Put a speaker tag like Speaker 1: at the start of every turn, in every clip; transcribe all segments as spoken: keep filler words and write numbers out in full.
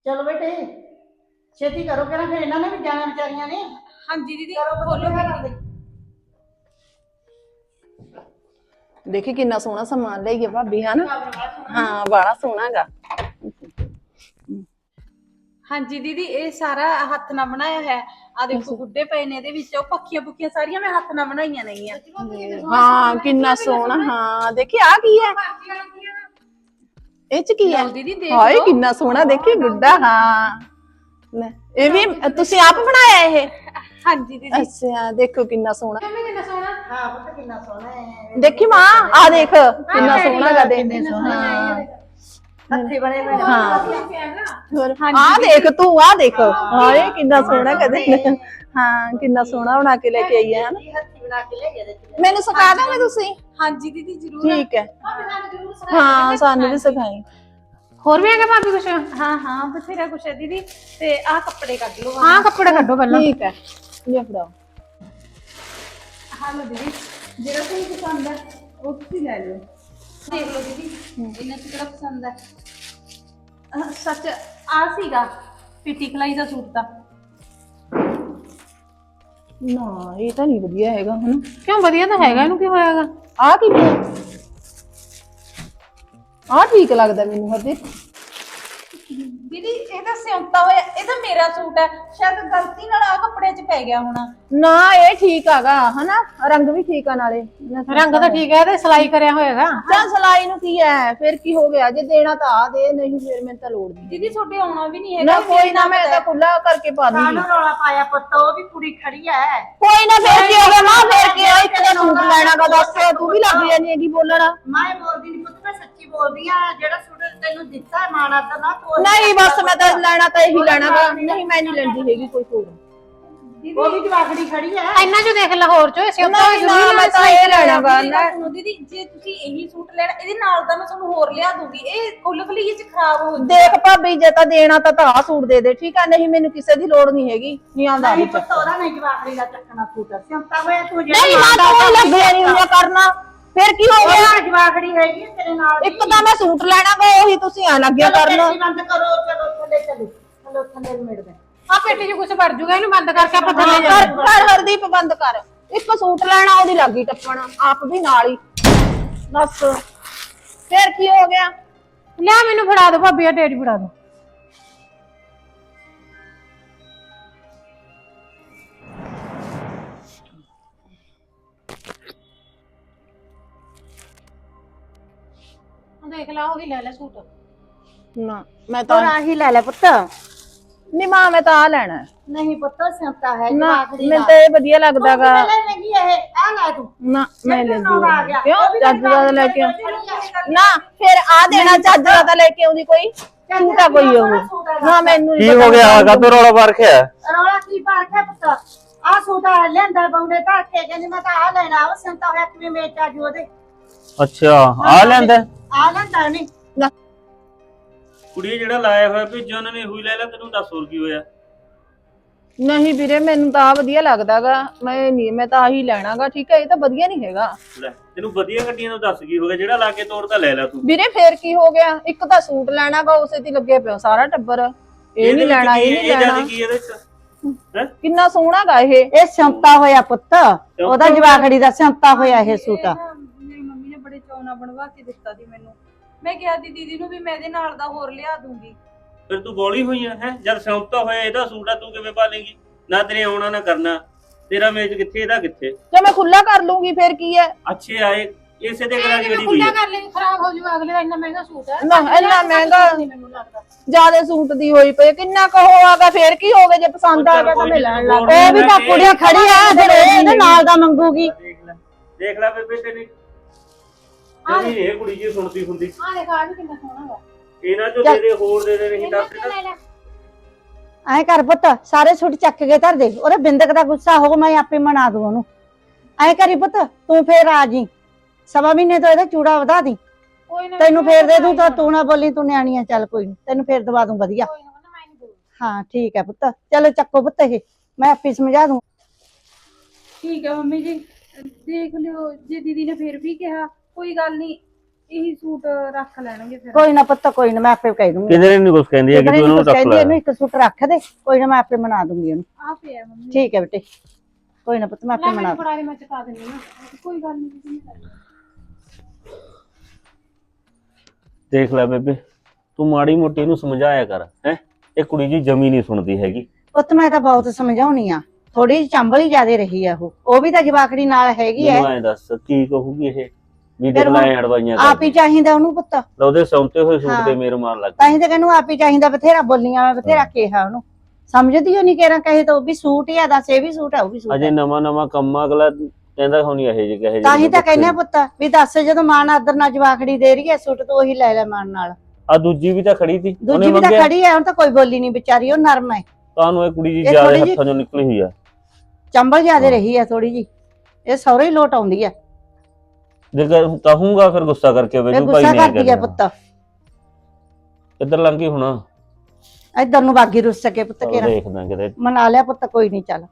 Speaker 1: चलो बेटे छेती करो करा फिर इन्होंने भी जाना बेचारियां ने।
Speaker 2: हाँ जी दीदी
Speaker 1: करो
Speaker 2: खोलो
Speaker 1: खोलो कर दे।
Speaker 3: देखी कितना सोहना समान ले भाभी है ना। हाँ बड़ा सोहना गा।
Speaker 2: हाँ जी दीदी ये सारा हाथ ना बनाया है। आ देखो गुड्डे पे ने दे विच पक्खियां पुक्खियां सारियां मैं हाथ ना बनाईयां नहीं है।
Speaker 3: हाँ कितना सोहना। हाँ देखी आ की है ਇਹ ਚ ਕੀ ਹੈ
Speaker 2: दीदी देख
Speaker 3: ਹਾਏ
Speaker 2: लो
Speaker 3: ਕਿੰਨਾ ਸੋਹਣਾ ਦੇਖੀ ਗੁੱਡਾ ਹਾਂ ਲੈ ਇਹ ਵੀ ਤੁਸੀਂ ਆਪ ਬਣਾਇਆ ਇਹ
Speaker 2: हाँ जी दीदी
Speaker 3: ਅੱਛਾ ਦੇਖੋ ਕਿੰਨਾ ਸੋਹਣਾ
Speaker 2: कितना सोना
Speaker 1: हाँ पुत्र कितना सोना है।
Speaker 3: ਦੇਖੀ ਮਾਂ ਆ ਦੇਖ ਕਿੰਨਾ ਸੋਹਣਾ ਗਾ ਦੇਖ ਹਾਂ
Speaker 1: हत्थे बने हुए
Speaker 3: ਹਾਂ ਆ ਦੇਖ ਤੂੰ ਆ ਦੇਖ ਹਾਏ ਕਿੰਨਾ ਸੋਹਣਾ ਕਦੇ ਹਾਂ ਕਿੰਨਾ ਸੋਹਣਾ ਬਣਾ ਕੇ ਲੈ ਕੇ ਆਈ ਹੈ ਹਨਾ
Speaker 1: हत्थी बना के ले गए थे।
Speaker 3: ਮੈਨੂੰ ਸਿਖਾ ਦੋਗੇ ਤੁਸੀਂ
Speaker 2: हाँ जी दीदी जरूर
Speaker 3: ਠੀਕ ਹੈ ਹਾਂ ਸਾਨੂੰ ਵੀ ਸਿਖਾਈ
Speaker 4: ਹੋਰ ਵੀ ਹੈਗਾ ਭਾਬੀ ਕੁਛ?
Speaker 2: हाँ हाँ बथेरा कुछ है दीदी ते आ कपड़े कट लो
Speaker 4: ਹਾਂ ਕੱਪੜੇ ਕੱਢੋ ਪਹਿਲਾਂ।
Speaker 3: ਠੀਕ ਹੈ ਇਹ ਫੜਾਓ
Speaker 2: हाँ लो दीदी जेड़ा कोई पसंद है वो तुसी ले लो देख लो दीदी इन्हें से केड़ा पसंद है अह, सच आ सीगा पिटी कलाई दा सूट दा
Speaker 3: ਨਾ ਇਹ ਤਾਂ ਨਹੀਂ ਵਧੀਆ ਹੈਗਾ ਹਨਾ
Speaker 4: ਕਿਉਂ ਵਧੀਆ ਤਾਂ ਹੈਗਾ ਇਹਨੂੰ ਕੀ ਹੋਇਆਗਾ?
Speaker 3: ਆ ਕੀ ਆ ਠੀਕ ਲੱਗਦਾ ਮੈਨੂੰ ਹਰਦੀਪ
Speaker 2: दीदी ये तो सिਉਂਤਾ ਹੋਇਆ ਇਹ ਤਾਂ ਮੇਰਾ ਸੂਟ ਹੈ ਸ਼ਾਇਦ ਗਲਤੀ ਨਾਲ ਆ ਕੱਪੜੇ 'ਚ ਪੈ ਗਿਆ ਹੋਣਾ
Speaker 3: ਨਾ ਇਹ ਠੀਕ ਆਗਾ ਹਨਾ ਰੰਗ ਵੀ ਠੀਕ ਆ ਨਾਲੇ
Speaker 4: ਰੰਗ ਤਾਂ ਠੀਕ ਹੈ ਤੇ ਸਿਲਾਈ ਕਰਿਆ ਹੋਏਗਾ।
Speaker 3: ਤਾਂ ਸਲਾਈ ਨੂੰ ਕੀ ਹੈ ਫਿਰ ਕੀ ਹੋ ਗਿਆ ਜੇ ਦੇਣਾ ਤਾਂ ਆ ਦੇ ਨਹੀਂ ਫਿਰ ਮੈਨੂੰ ਤਾਂ ਲੋੜ ਨਹੀਂ
Speaker 2: दीदी छोटे आना भी नहीं है
Speaker 3: ਨਾ ਕੋਈ ਨਾ ਮੈਂ ਤਾਂ ਖੁੱਲਾ ਕਰਕੇ ਪਾ ਦੂੰਗੀ
Speaker 1: कानू रौला पाया पुत वो भी कुड़ी खड़ी है।
Speaker 3: ਕੋਈ ਨਾ ਫਿਰ ਕੀ ਹੋ ਗਿਆ ਮਾਂ ਫਿਰ ਕੀ ਹੋਇਆ ਇੱਕ ਦਾ ਸੂਟ ਲੈਣਾਗਾ ਦੱਸ ਤੂੰ ਵੀ ਲੱਗ ਜਾਨੀ ਹੈਗੀ ਬੋਲਣ
Speaker 1: मैं बोलती नहीं पुत मैं सच्ची बोल रही हां जेड़ा सूट तेनू दिता है माना दा ना तो
Speaker 3: ਨਹੀਂ ਬਸ ਮੈਂ ਤਾਂ ਲੈਣਾ ਤਾਂ ਇਹੀ ਲੈਣਾਗਾ ਨਹੀਂ ਮੈਂ ਨਹੀਂ ਲੈਂਦੀ ਹੈਗੀ ਕੋਈ ਹੋਰ
Speaker 1: वो भी जवाखड़ी खड़ी है।
Speaker 4: ਇੰਨਾ ਜੋ ਦੇਖ ਲਾਹੌਰ ਚੋਂ ਸਿਉਂਤਾ
Speaker 3: ਨਹੀਂ ਨਾ ਮੈਂ ਤਾਂ ਇਹ ਲੈਣਾਗਾ ਨਾ
Speaker 2: ਸੁਣੋ ਦੀਦੀ ਜੇ ਤੁਸੀਂ ਇਹੀ ਸੂਟ ਲੈਣਾ ਇਹਦੇ ਨਾਲ ਦਾ ਮੈਂ ਤੁਹਾਨੂੰ ਹੋਰ ਲਿਆ ਦੂੰਗੀ ਇਹ ਖੁੱਲ ਖਲੀਏ 'ਚ ਖਰਾਬ ਹੋ
Speaker 3: ਦੇਖ ਭਾਬੀ ਜੇ ਤਾਂ ਦੇਣਾ ਤਾਂ ਤਾਂ ਆਹ ਸੂਟ ਦੇ ਦੇ ਠੀਕ ਆ ਨਹੀਂ ਮੈਨੂੰ ਕਿਸੇ ਦੀ ਲੋੜ ਨਹੀਂ ਹੈਗੀ ਨਹੀਂ ਆਉਂਦਾ
Speaker 1: नहीं पुत ओदा नहीं जवाखड़ी दा चकना सूट है सिंता होया तू जेड़ा
Speaker 3: ਨਹੀਂ ਮਾਂ ਤੂੰ ਲੱਗ ਜਾਣੀ ਹੁੰਦੀ ਕਰਨਾ ਫਿਰ ਕੀ ਹੋ ਗਿਆ
Speaker 1: जवाखड़ी हैगी तेरे नाल
Speaker 3: ਇੱਕ ਤਾਂ ਮੈਂ ਸੂਟ ਲੈਣਾ ਗਾ ਉਹੀ ਤੁਸੀਂ ਆ ਲੱਗਿਆ ਕਰਨ
Speaker 1: बंद करो चलो थले चलो चलो थले मेड़ दे
Speaker 4: ਆ ਪੇਟੀ 'ਚ ਕੁਛ ਵੜ ਜੂਗਾ ਇਹਨੂੰ ਬੰਦ ਕਰਕੇ ਆਪਾਂ ਥੱਲੇ
Speaker 3: ਕਰ
Speaker 4: ਜਾਵਾਂਗੇ।
Speaker 3: ਕਰ ਹਰਦੀਪ ਬੰਦ ਕਰ ਇੱਕ ਸੂਟ ਲੈਣਾ ਉਹਦੀ ਲੱਗੀ ਟੱਪਣ ਆਪ ਵੀ ਨਾਲ ਹੀ ਬਸ ਫਿਰ ਕੀ ਹੋ ਗਿਆ
Speaker 4: ਲੈ ਮੈਨੂੰ ਫੜਾ ਦੋ ਭਾਬੀ ਆ ਡੇਢ ਫੜਾ ਦੋ। ਦੇਖ ਲਾ ਉਹੀ ਲੈ ਲੈ ਸੂਟ।
Speaker 3: ਨਾ ਮੈਂ ਤਾਂ
Speaker 1: ही ले ले पुत
Speaker 3: ਨਹੀਂ ਮਾਂ ਮੈਂ ਤਾਂ ਆ ਲੈਣਾ ਹੈ।
Speaker 1: नहीं पुत सिंता है
Speaker 3: ਨਾ
Speaker 1: जवाखड़ी
Speaker 3: ਮੈਨੂੰ ਤਾਂ ਇਹ ਵਧੀਆ ਲੱਗਦਾਗਾ
Speaker 1: लगी है आ ले तू
Speaker 3: ਨਾ ਮੈਂ ਲੈ
Speaker 1: आ गया
Speaker 3: ਕਿਉਂ ਚੱਜ ਦਾ ਲੈ ਕੇ ਆਉਂ- ਨਾ ਫਿਰ ਆ ਦੇਣਾ ਚੱਜ ਦਾ ਤਾਂ ਲੈ ਕੇ ਆਉਂਦੀ ਕੋਈ ਝੂਠਾ ਕੋਈ ਉਹ ਨਾ ਮੈਨੂੰ
Speaker 5: ਕੀ ਹੋ ਗਿਆ ਕਾਹਤੋਂ ਰੌਲਾ ਪਾ ਰੱਖਿਆ
Speaker 1: ਰੌਲਾ ਕੀ ਪਾ ਕੇ ਪੁੱਤ ਆ ਸੂਟਾ ਲੈਂਦਾ ਬੰਦੇ ਧੱਕ ਕੇ ਕਹਿੰਦੀ ਮੈਂ ਤਾਂ ਆ ਲੈਣਾ ਉਹ ਸੰਤਾ ਹੋਇਆ ਕਿਵੇਂ ਮੇਚਾ ਜੋ ਉਹਦੇ
Speaker 5: ਅੱਛਾ ਆ ਲੈਂਦਾ
Speaker 1: ਆ ਲੈਂਦਾ ਨਹੀਂ
Speaker 6: ਕੁੜੀ ਜਿਹੜਾ ਲਾਇਆ ਹੋਇਆ ਭੇਜਿਆ ਉਹਨਾਂ ਨੇ ਉਹੀ ਲੈ ਲਿਆ ਤੈਨੂੰ ਦੱਸ ਹੋਰ ਕੀ ਹੋਇਆ
Speaker 3: ਨਹੀਂ ਵੀਰੇ ਮੈਨੂੰ ਤਾਂ ਆ ਵਧੀਆ ਲੱਗਦਾਗਾ ਮੈਂ ਨਹੀਂ ਮੈਂ ਤਾਂ ਆਹੀ ਲੈਣਾਗਾ ਠੀਕ ਹੈ ਇਹ ਤਾਂ ਵਧੀਆ ਨਹੀਂ ਹੈਗਾ
Speaker 6: ਲੈ ਤੈਨੂੰ ਵਧੀਆ ਗੱਡੀਆਂ ਨੂੰ ਦੱਸ ਕੀ ਹੋ ਗਿਆ ਜਿਹੜਾ ਲਾ ਕੇ ਤੋੜਦਾ ਲੈ ਲੈ ਤੂੰ
Speaker 3: ਵੀਰੇ ਫੇਰ ਕੀ ਹੋ ਗਿਆ ਇੱਕ ਤਾਂ ਸੂਟ ਲੈਣਾਗਾ ਉਸੇ ਤੇ ਲੱਗੇ ਪਿਆ ਸਾਰਾ ਟੱਬਰ ਇਹ ਨਹੀਂ ਲੈਣਾ ਇਹ ਨਹੀਂ ਲੈਣਾ
Speaker 6: ਇਹ ਕੀ ਇਹਦੇ ਚ ਹੈ
Speaker 3: ਕਿੰਨਾ ਸੋਹਣਾਗਾ ਇਹ
Speaker 1: ਇਹ ਸੰਤਾ ਹੋਇਆ ਪੁੱਤ ਉਹਦਾ ਜਵਾਖੜੀ ਦਾ ਸੰਤਾ ਹੋਇਆ ਇਹ ਸੂਟ
Speaker 2: ਮੇਰੀ ਮੰਮੀ ਨੇ ਬੜੇ ਚਾਅ ਨਾਲ ਬਣਵਾ ਕੇ ਦਿੱਤਾ ਸੀ ਮੈਨੂੰ ਮੈਂ ਕਿਹਾ ਦੀ ਦੀਦੀ ਨੂੰ ਵੀ ਮੈਂ ਇਹਦੇ ਨਾਲ ਦਾ ਹੋਰ ਲਿਆ ਦੂੰਗੀ
Speaker 6: ਫਿਰ ਤੂੰ ਬੋਲੀ ਹੋਈ ਆ ਹੈ ਜਦ ਸਿਉਂਤਾ ਹੋਇਆ ਇਹਦਾ ਸੂਟ ਆ ਤੂੰ ਕਿਵੇਂ ਪਾ ਲੇਗੀ ਨਾ ਤੇਰੇ ਆਉਣਾ ਨਾ ਕਰਨਾ ਤੇਰਾ ਮੇਚ ਕਿੱਥੇ ਇਹਦਾ ਕਿੱਥੇ
Speaker 3: ਜੇ ਮੈਂ ਖੁੱਲਾ ਕਰ ਲੂੰਗੀ ਫੇਰ ਕੀ ਹੈ
Speaker 6: ਅੱਛੇ ਆਏ ਇਸੇ ਦੇ ਗਲਾ ਦੀ ਗੜੀ ਹੋਈ
Speaker 4: ਖੁੱਲਾ
Speaker 6: ਆ
Speaker 4: ਕਰ ਲੈ ਖਰਾਬ ਹੋ ਜੂਗਾ ਅਗਲੇ ਦਾ ਇੰਨਾ ਮਹਿੰਗਾ ਸੂਟ ਹੈ।
Speaker 3: ਨਾ ਇੰਨਾ ਮਹਿੰਗਾ
Speaker 4: ਮੈਨੂੰ ਲੱਗਦਾ
Speaker 3: ਜਿਆਦੇ ਸੂਟ ਦੀ ਹੋਈ ਪਈ ਕਿੰਨਾ ਕੁ ਹੋਆਗਾ ਫੇਰ ਕੀ ਹੋ ਗਿਆ ਜੇ ਪਸੰਦ ਆ ਗਿਆ ਤਾਂ ਮੈਂ ਲੈਣ ਲੱਗ
Speaker 6: ਉਹ
Speaker 1: ਉਹ ਵੀ ਤਾਂ ਕੁੜੀ ਖੜੀ ਆ ਫਿਰ ਇਹਦੇ ਨਾਲ ਦਾ ਮੰਗੂਗੀ
Speaker 6: ਦੇਖ ਲੈ ਦੇਖ ਲੈ ਬੇਬੇ ਤੇਰੀ ਨਹੀਂ ਇਹ ਕੁੜੀ ਜੀ ਸੁਣਦੀ ਹੁੰਦੀ
Speaker 4: ਆ ਦੇਖ ਆ ਵੀ ਕਿੰਨਾ ਸੋਹਣਾ ਵਾ।
Speaker 6: ਇਹਨਾਂ ਚੋਂ ਤੇਰੇ ਹੋਰ ਦੇ ਦੇ ਨਹੀਂ ਦੱਸ
Speaker 4: ਲੈ ਲੈ
Speaker 1: ਐ ਕਰ ਪੁੱਤ ਸਾਰੇ ਛੁੱਟ ਚੱਕ ਕੇ ਧਰ ਦੇ ਉਹਦੇ ਬਿੰਦਕ ਦਾ ਗੁੱਸਾ ਹੋ ਮੈਂ ਆਪੇ ਮਨਾ ਦੂੰ ਉਹਨੂੰ ਐ ਕਰੀ ਪੁੱਤ ਤੂੰ ਫੇਰ ਆ ਜੀ ਸਵਾ ਮਹੀਨੇ ਤੋਂ ਇਹਦਾ ਚੂੜਾ ਵਧਾ ਦੀ
Speaker 4: ਕੋਈ ਨਾ
Speaker 1: ਤੈਨੂੰ ਫੇਰ ਦੇ ਦੂੰ ਤਾਂ ਤੂੰ ਨਾ ਬੋਲੀ ਤੂੰ ਨਿਆਣੀ ਆ ਚੱਲ ਕੋਈ ਨੀ ਤੈਨੂੰ ਫੇਰ ਦਵਾ ਦੂੰ ਵਧੀਆ
Speaker 4: ਕੋਈ ਨਾ ਮੈਂ ਨਹੀਂ ਬੋਲਦੀ।
Speaker 1: ਹਾਂ ਠੀਕ ਹੈ ਪੁੱਤ ਚਲੋ ਚੱਕੋ ਪੁੱਤ ਇਹ ਮੈਂ ਆਪੇ ਸਮਝਾ ਦੂੰ
Speaker 2: ਠੀਕ ਹੈ ਮੰਮੀ ਜੀ ਦੇਖ ਲਿਓ ਜੇ ਦੀਦੀ ਨੇ ਫਿਰ ਵੀ ਕਿਹਾ ਕੋਈ ਗੱਲ ਨਹੀਂ
Speaker 4: ਇਹੀ ਸੂਟ ਰੱਖ ਲੈਣਗੇ ਫਿਰ।
Speaker 1: ਕੋਈ ਨਾ ਪੁੱਤ ਕੋਈ ਨਾ ਮੈਂ ਆਪੇ ਕਹਿ ਦੂੰਗੀ
Speaker 5: ਕਿਧਰੇ ਨਹੀਂ ਕੁਛ ਕਹਿੰਦੀ ਹੈ ਕਿ ਤੂੰ ਉਹਨੂੰ ਰੱਖ
Speaker 1: ਕਹਿੰਦੀ
Speaker 5: ਲੈ
Speaker 1: ਇਹਨੂੰ ਇੱਕ ਸੂਟ ਰੱਖ ਦੇ, ਕੋਈ ਨਾ ਮੈਂ ਆਪੇ ਬਣਾ ਦੂੰਗੀ ਉਹਨੂੰ।
Speaker 4: ਆ ਪਿਆ ਮੰਮੀ।
Speaker 1: ਠੀਕ ਹੈ ਬੇਟੇ, ਕੋਈ ਨਾ ਪੁੱਤ ਮੈਂ
Speaker 4: ਲੈ
Speaker 1: ਆਪੇ ਬਣਾ
Speaker 4: ਮੈਨੂੰ
Speaker 1: ਦੂੰ।
Speaker 4: ਫੜਾ ਦੇ, ਮੈਂ ਚੁਕਾ ਦਿੰਦੀ ਹਾਂ। ਕੋਈ ਗੱਲ ਨਹੀਂ ਤੁਸੀਂ ਨਹੀਂ ਕਰਨੀ।
Speaker 5: ਦੇਖ ਲੈ ਬੇਬੇ, ਤੂੰ ਮਾੜੀ ਮੋਟੀ ਨੂੰ ਸਮਝਾਇਆ ਕਰ ਹੈ। ਇਹ ਕੁੜੀ ਜੀ ਜਮੀ ਨਹੀਂ ਸੁਣਦੀ ਹੈਗੀ।
Speaker 1: ਪੁੱਤ ਮੈਂ ਤਾਂ ਬਹੁਤ ਸਮਝਾਉਣੀ ਆ, ਥੋੜੀ ਜਿਹੀ ਚੰਬਲ ਹੀ ਜ਼ਿਆਦੇ ਰਹੀ ਆ ਉਹ ਉਹ ਵੀ ਤਾਂ ਜਵਾਕੜੀ ਨਾਲ ਹੈਗੀ ਐ।
Speaker 5: ਮੈਨੂੰ ਐਂ ਦੱਸ ਕੀ ਕਹੂਗੀ ਇਹ ਵੀ ਦੇਖ ਲੈ ਅੜਵਾਈਆਂ
Speaker 1: ਆਪ ਹੀ ਚਾਹੀਦਾ ਉਹਨੂੰ ਪੁੱਤ,
Speaker 5: ਕਰ ਉਹਦੇ ਸੌਂਤੇ ਹੋਏ ਸੂਟ
Speaker 1: ਹਾਂ।
Speaker 5: ਤੇ ਮੇਰ ਮਾਰ ਲੱਗ
Speaker 1: ਤਾਂ ਹੀ ਤਾਂ ਕਹਿੰਨੂੰ ਆਪ ਹੀ ਚਾਹੀਦਾ। ਬਥੇਰਾ ਬੋਲੀਆਂ ਮੈਂ ਬਥੇਰਾ ਕਿਹਾ ਉਹਨੂੰ, ਸਮਝਦੀ ਹੋ ਨਹੀਂ ਕਿਹੜਾ ਕਹੇ ਤਾਂ ਉਹ ਵੀ ਸੂਟ ਹੀ ਆ, ਦੱਸ ਇਹ ਵੀ ਸੂਟ ਆ ਉਹ ਵੀ ਸੂਟ
Speaker 5: ਅਜੇ
Speaker 1: ਆ।
Speaker 5: ਨਵਾਂ ਨਵਾਂ ਕੰਮ ਅਗਲਾ ਕਹਿੰਦਾ ਹੋਣੀ ਇਹ ਜੇ ਕਹੇ
Speaker 1: ਤਾਂ ਹੀ ਤਾਂ ਕਹਿੰਦੇ ਆ ਪੁੱਤ ਵੀ ਦੱਸ ਜਦੋਂ ਮਾਨ ਆਦਰ ਨਾਲ ਜਵਾਕੜੀ ਦੇ ਰਹੀ ਐ ਸੂਟ ਤਾਂ ਉਹੀ ਲੈ ਲੈ ਮਾਨ ਨਾਲ।
Speaker 5: ਆ ਦੂਜੀ ਵੀ ਤਾਂ ਖੜੀ ਸੀ
Speaker 1: ਦੂਜੀ ਵੀ ਤਾਂ ਖੜੀ ਐ, ਹੁਣ ਤਾਂ ਕੋਈ ਬੋਲੀ ਨਹੀਂ ਵਿਚਾਰੀ, ਉਹ ਨਰਮ ਐ।
Speaker 5: ਤੁਹਾਨੂੰ ਇਹ ਕੁੜੀ ਜੀ
Speaker 1: ਇਹ
Speaker 5: ਜਿਆਦਾ
Speaker 1: ਥੋੜ੍ਹੀ ਜਿਹੀ-
Speaker 5: ਹੱਥਾਂ ਚੋਂ ਨਿਕਲੀ ਹੋਈ ਆ।
Speaker 1: ਚੰਬਲ ਜ਼ਿਆਦੇ ਰਹੀ ਐ ਥੋੜੀ ਜੀ, ਇਹ ਸਹੁਰੇ ਹੀ ਲੋਟ ਆਉਂਦੀ ਐ।
Speaker 5: ਜੇ ਕਹੂੰਗਾ ਫਿਰ ਗੁੱਸਾ ਕਰਕੇ
Speaker 1: ਇਹ
Speaker 5: ਵੇਜੂ ਭਾਈ
Speaker 1: ਗੁੱਸਾ
Speaker 5: ਨਹੀਂ
Speaker 1: ਕਰਦੀ ਐ ਪੁੱਤ,
Speaker 5: ਇੱਧਰ ਲੰਘੀ ਹੁਣ
Speaker 1: ਇੱਧਰ ਨੂੰ ਬਾਗੀ ਰੁੱਸ ਸਕੇ ਪੁੱਤ
Speaker 5: ਚਲੋ
Speaker 1: ਕਿਹੜਾ
Speaker 5: ਦੇਖਦਾ ਕਿਤੇ।
Speaker 1: ਮਨਾ ਲਿਆ ਪੁੱਤ, ਕੋਈ ਨਹੀਂ ਚੱਲ।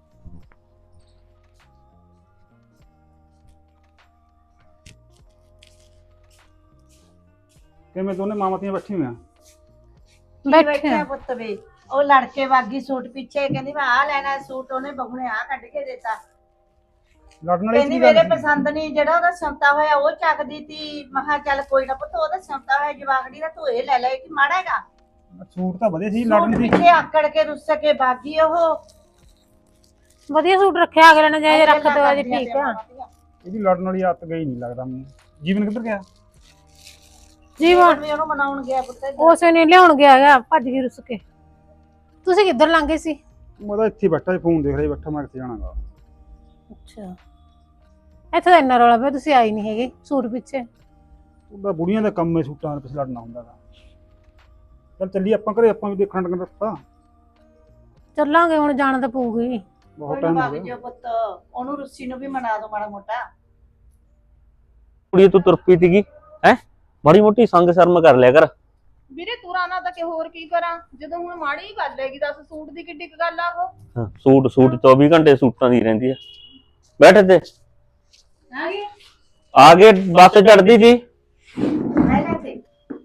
Speaker 7: ਕਿਵੇਂ ਦੋਨੇ ਮਾਮਤੀਆਂ ਬੈਠੀ ਹੋਈਆਂ?
Speaker 1: ਬੈਠੇ ਆ ਪੁੱਤ ਵੇ, ਉਹ ਲੜਕੇ ਵਾਗੀ ਸੂਟ ਪਿੱਛੇ ਕਹਿੰਦੀ ਮੈਂ ਆ ਲੈਣਾ ਸੂਟ, ਉਹਨੇ ਬਹੂ ਨੇ ਆ ਕੱਢ ਕੇ ਦਿੱਤਾ।
Speaker 7: ਲੜਨ ਵਾਲੀ
Speaker 1: ਕਹਿੰਦੀ
Speaker 7: ਕੀ ਗੱਲ
Speaker 1: ਮੇਰੇ
Speaker 7: ਸੀ?
Speaker 1: ਪਸੰਦ ਨਹੀਂ, ਜਿਹੜਾ ਉਹਦਾ ਸੰਤਾ ਹੋਇਆ ਉਹ ਚੱਕਦੀ ਤੀ। ਮੈਂ ਕਿਹਾ ਚੱਲ ਕੋਈ ਨਾ ਪੁੱਤ, ਉਹਦਾ ਸੰਤਾ ਹੋਇਆ ਜਵਾਗੜੀ ਦਾ ਤੂੰ ਇਹ ਲੈ ਲੈ ਕਿ ਮਾੜਾ ਹੈਗਾ।
Speaker 7: ਸੂਟ ਤਾਂ ਵਧੀਆ ਸੀ,
Speaker 1: ਸੂਟ
Speaker 7: ਲੜਨ ਦੀ
Speaker 1: ਪਿੱਛੇ ਆਕੜ ਕੇ ਰੁੱਸ ਕੇ ਬਾਗੀ ਉਹ।
Speaker 4: ਵਧੀਆ ਸੂਟ ਰੱਖਿਆ ਅਗਲੇ ਨੇ, ਜੇ ਰੱਖ
Speaker 1: ਗੱਲਾਂ
Speaker 4: ਦੋ ਅਜੇ
Speaker 1: ਕਰਦੀਆਂ
Speaker 4: ਠੀਕ ਆ।
Speaker 1: ਤੇ
Speaker 7: ਇਹਦੀ ਲੜਨ ਵਾਲੀ ਆਦਤ ਗਈ ਨਹੀਂ ਲੱਗਦਾ ਮੈਨੂੰ। ਜੀਵਨ ਕਿੱਧਰ ਗਿਆ?
Speaker 4: ਜੀਵਨ
Speaker 1: ਵੀ ਉਹਨੂੰ ਮਨਾਉਣ ਗਿਆ ਪੁੱਤ ਇੱਧਰ।
Speaker 4: ਉਸੇ ਨੇ ਲਿਆਉਣ ਗਿਆ ਹੈਗਾ, ਭੱਜ ਗਈ ਰੁੱਸ ਕੇ। ਤੁਸੀਂ ਕਿੱਧਰ ਲੰਘੇ ਸੀ?
Speaker 7: ਮੈਂ ਤਾਂ ਇੱਥੇ ਬੈਠਾ ਸੀ, ਫੋਨ ਦੇਖ ਰਿਹਾ ਬੈਠਾ, ਮੈਂ ਕਿੱਥੇ ਜਾਣਾਗਾ।
Speaker 4: ਅੱਛਾ, ਇੱਥੇ ਤਾਂ ਇੰਨਾ ਰੌਲਾ ਪਿਆ, ਤੁਸੀਂ ਆਈ ਨਹੀਂ ਹੈਗੇ ਸੂਟ ਪਿੱਛੇ।
Speaker 7: ਉਹਦਾ ਬੁੜੀਆਂ ਦਾ ਕੰਮ ਹੈ ਸੂਟਾਂ ਦੇ ਪਿੱਛੇ ਲੜਨਾ ਹੁੰਦਾ ਗਾ। ਚੱਲ ਚੱਲੀ ਆਪਾਂ ਘਰੇ, ਆਪਾਂ ਵੀ ਦੇਖਣਾ ਟੰਗਣ ਰੱਖਤਾ।
Speaker 4: ਚੱਲਾਂਗੇ ਹੁਣ, ਜਾਣਾ ਤਾਂ ਪਊਗੀ।
Speaker 7: ਬਹੁਤ
Speaker 1: ਕੋਈ
Speaker 7: ਟਾਈਮ
Speaker 1: ਨਾ
Speaker 7: ਹੋ
Speaker 1: ਵਗ
Speaker 7: ਗਿਆ।
Speaker 1: ਜਾਓ ਪੁੱਤ, ਉਹਨੂੰ ਰੁੱਸੀ ਨੂੰ ਵੀ ਮਨਾ ਦੋ ਮਾੜਾ ਮੋਟਾ।
Speaker 5: ਕੁੜੀ ਤੂੰ ਤੁਰ ਪਈ ਸੀਗੀ ਹੈ, ਮਾੜੀ ਮੋਟੀ ਸੰਗ ਸ਼ਰਮ ਕਰ ਲਿਆ ਕਰ।
Speaker 2: ਵੀਰੇ ਤੁਰਾਨਾ ਤਾਂ ਕਿ ਹੋਰ ਕੀ ਕਰਾਂ, ਜਦੋਂ ਹੁਣ ਮਾੜੀ ਹੀ ਗੱਲ ਹੈਗੀ। ਦੱਸ ਸੂਟ ਦੀ ਕਿੱਡੀ ਕੁ ਗੱਲ ਆ ਉਹ।
Speaker 5: ਹਾਂ, ਸੂਟ ਸੂਟ ਚੌਵੀ ਘੰਟੇ ਸੂਟਾਂ ਦੀ ਰਹਿੰਦੀ ਆ। ਬੈਠ ਤੇ
Speaker 2: ਆ ਗਏ
Speaker 5: ਆ ਕੇ ਬੱਸ ਚੜਦੀ ਸੀ।
Speaker 1: ਲੈ ਲੈ ਤੇ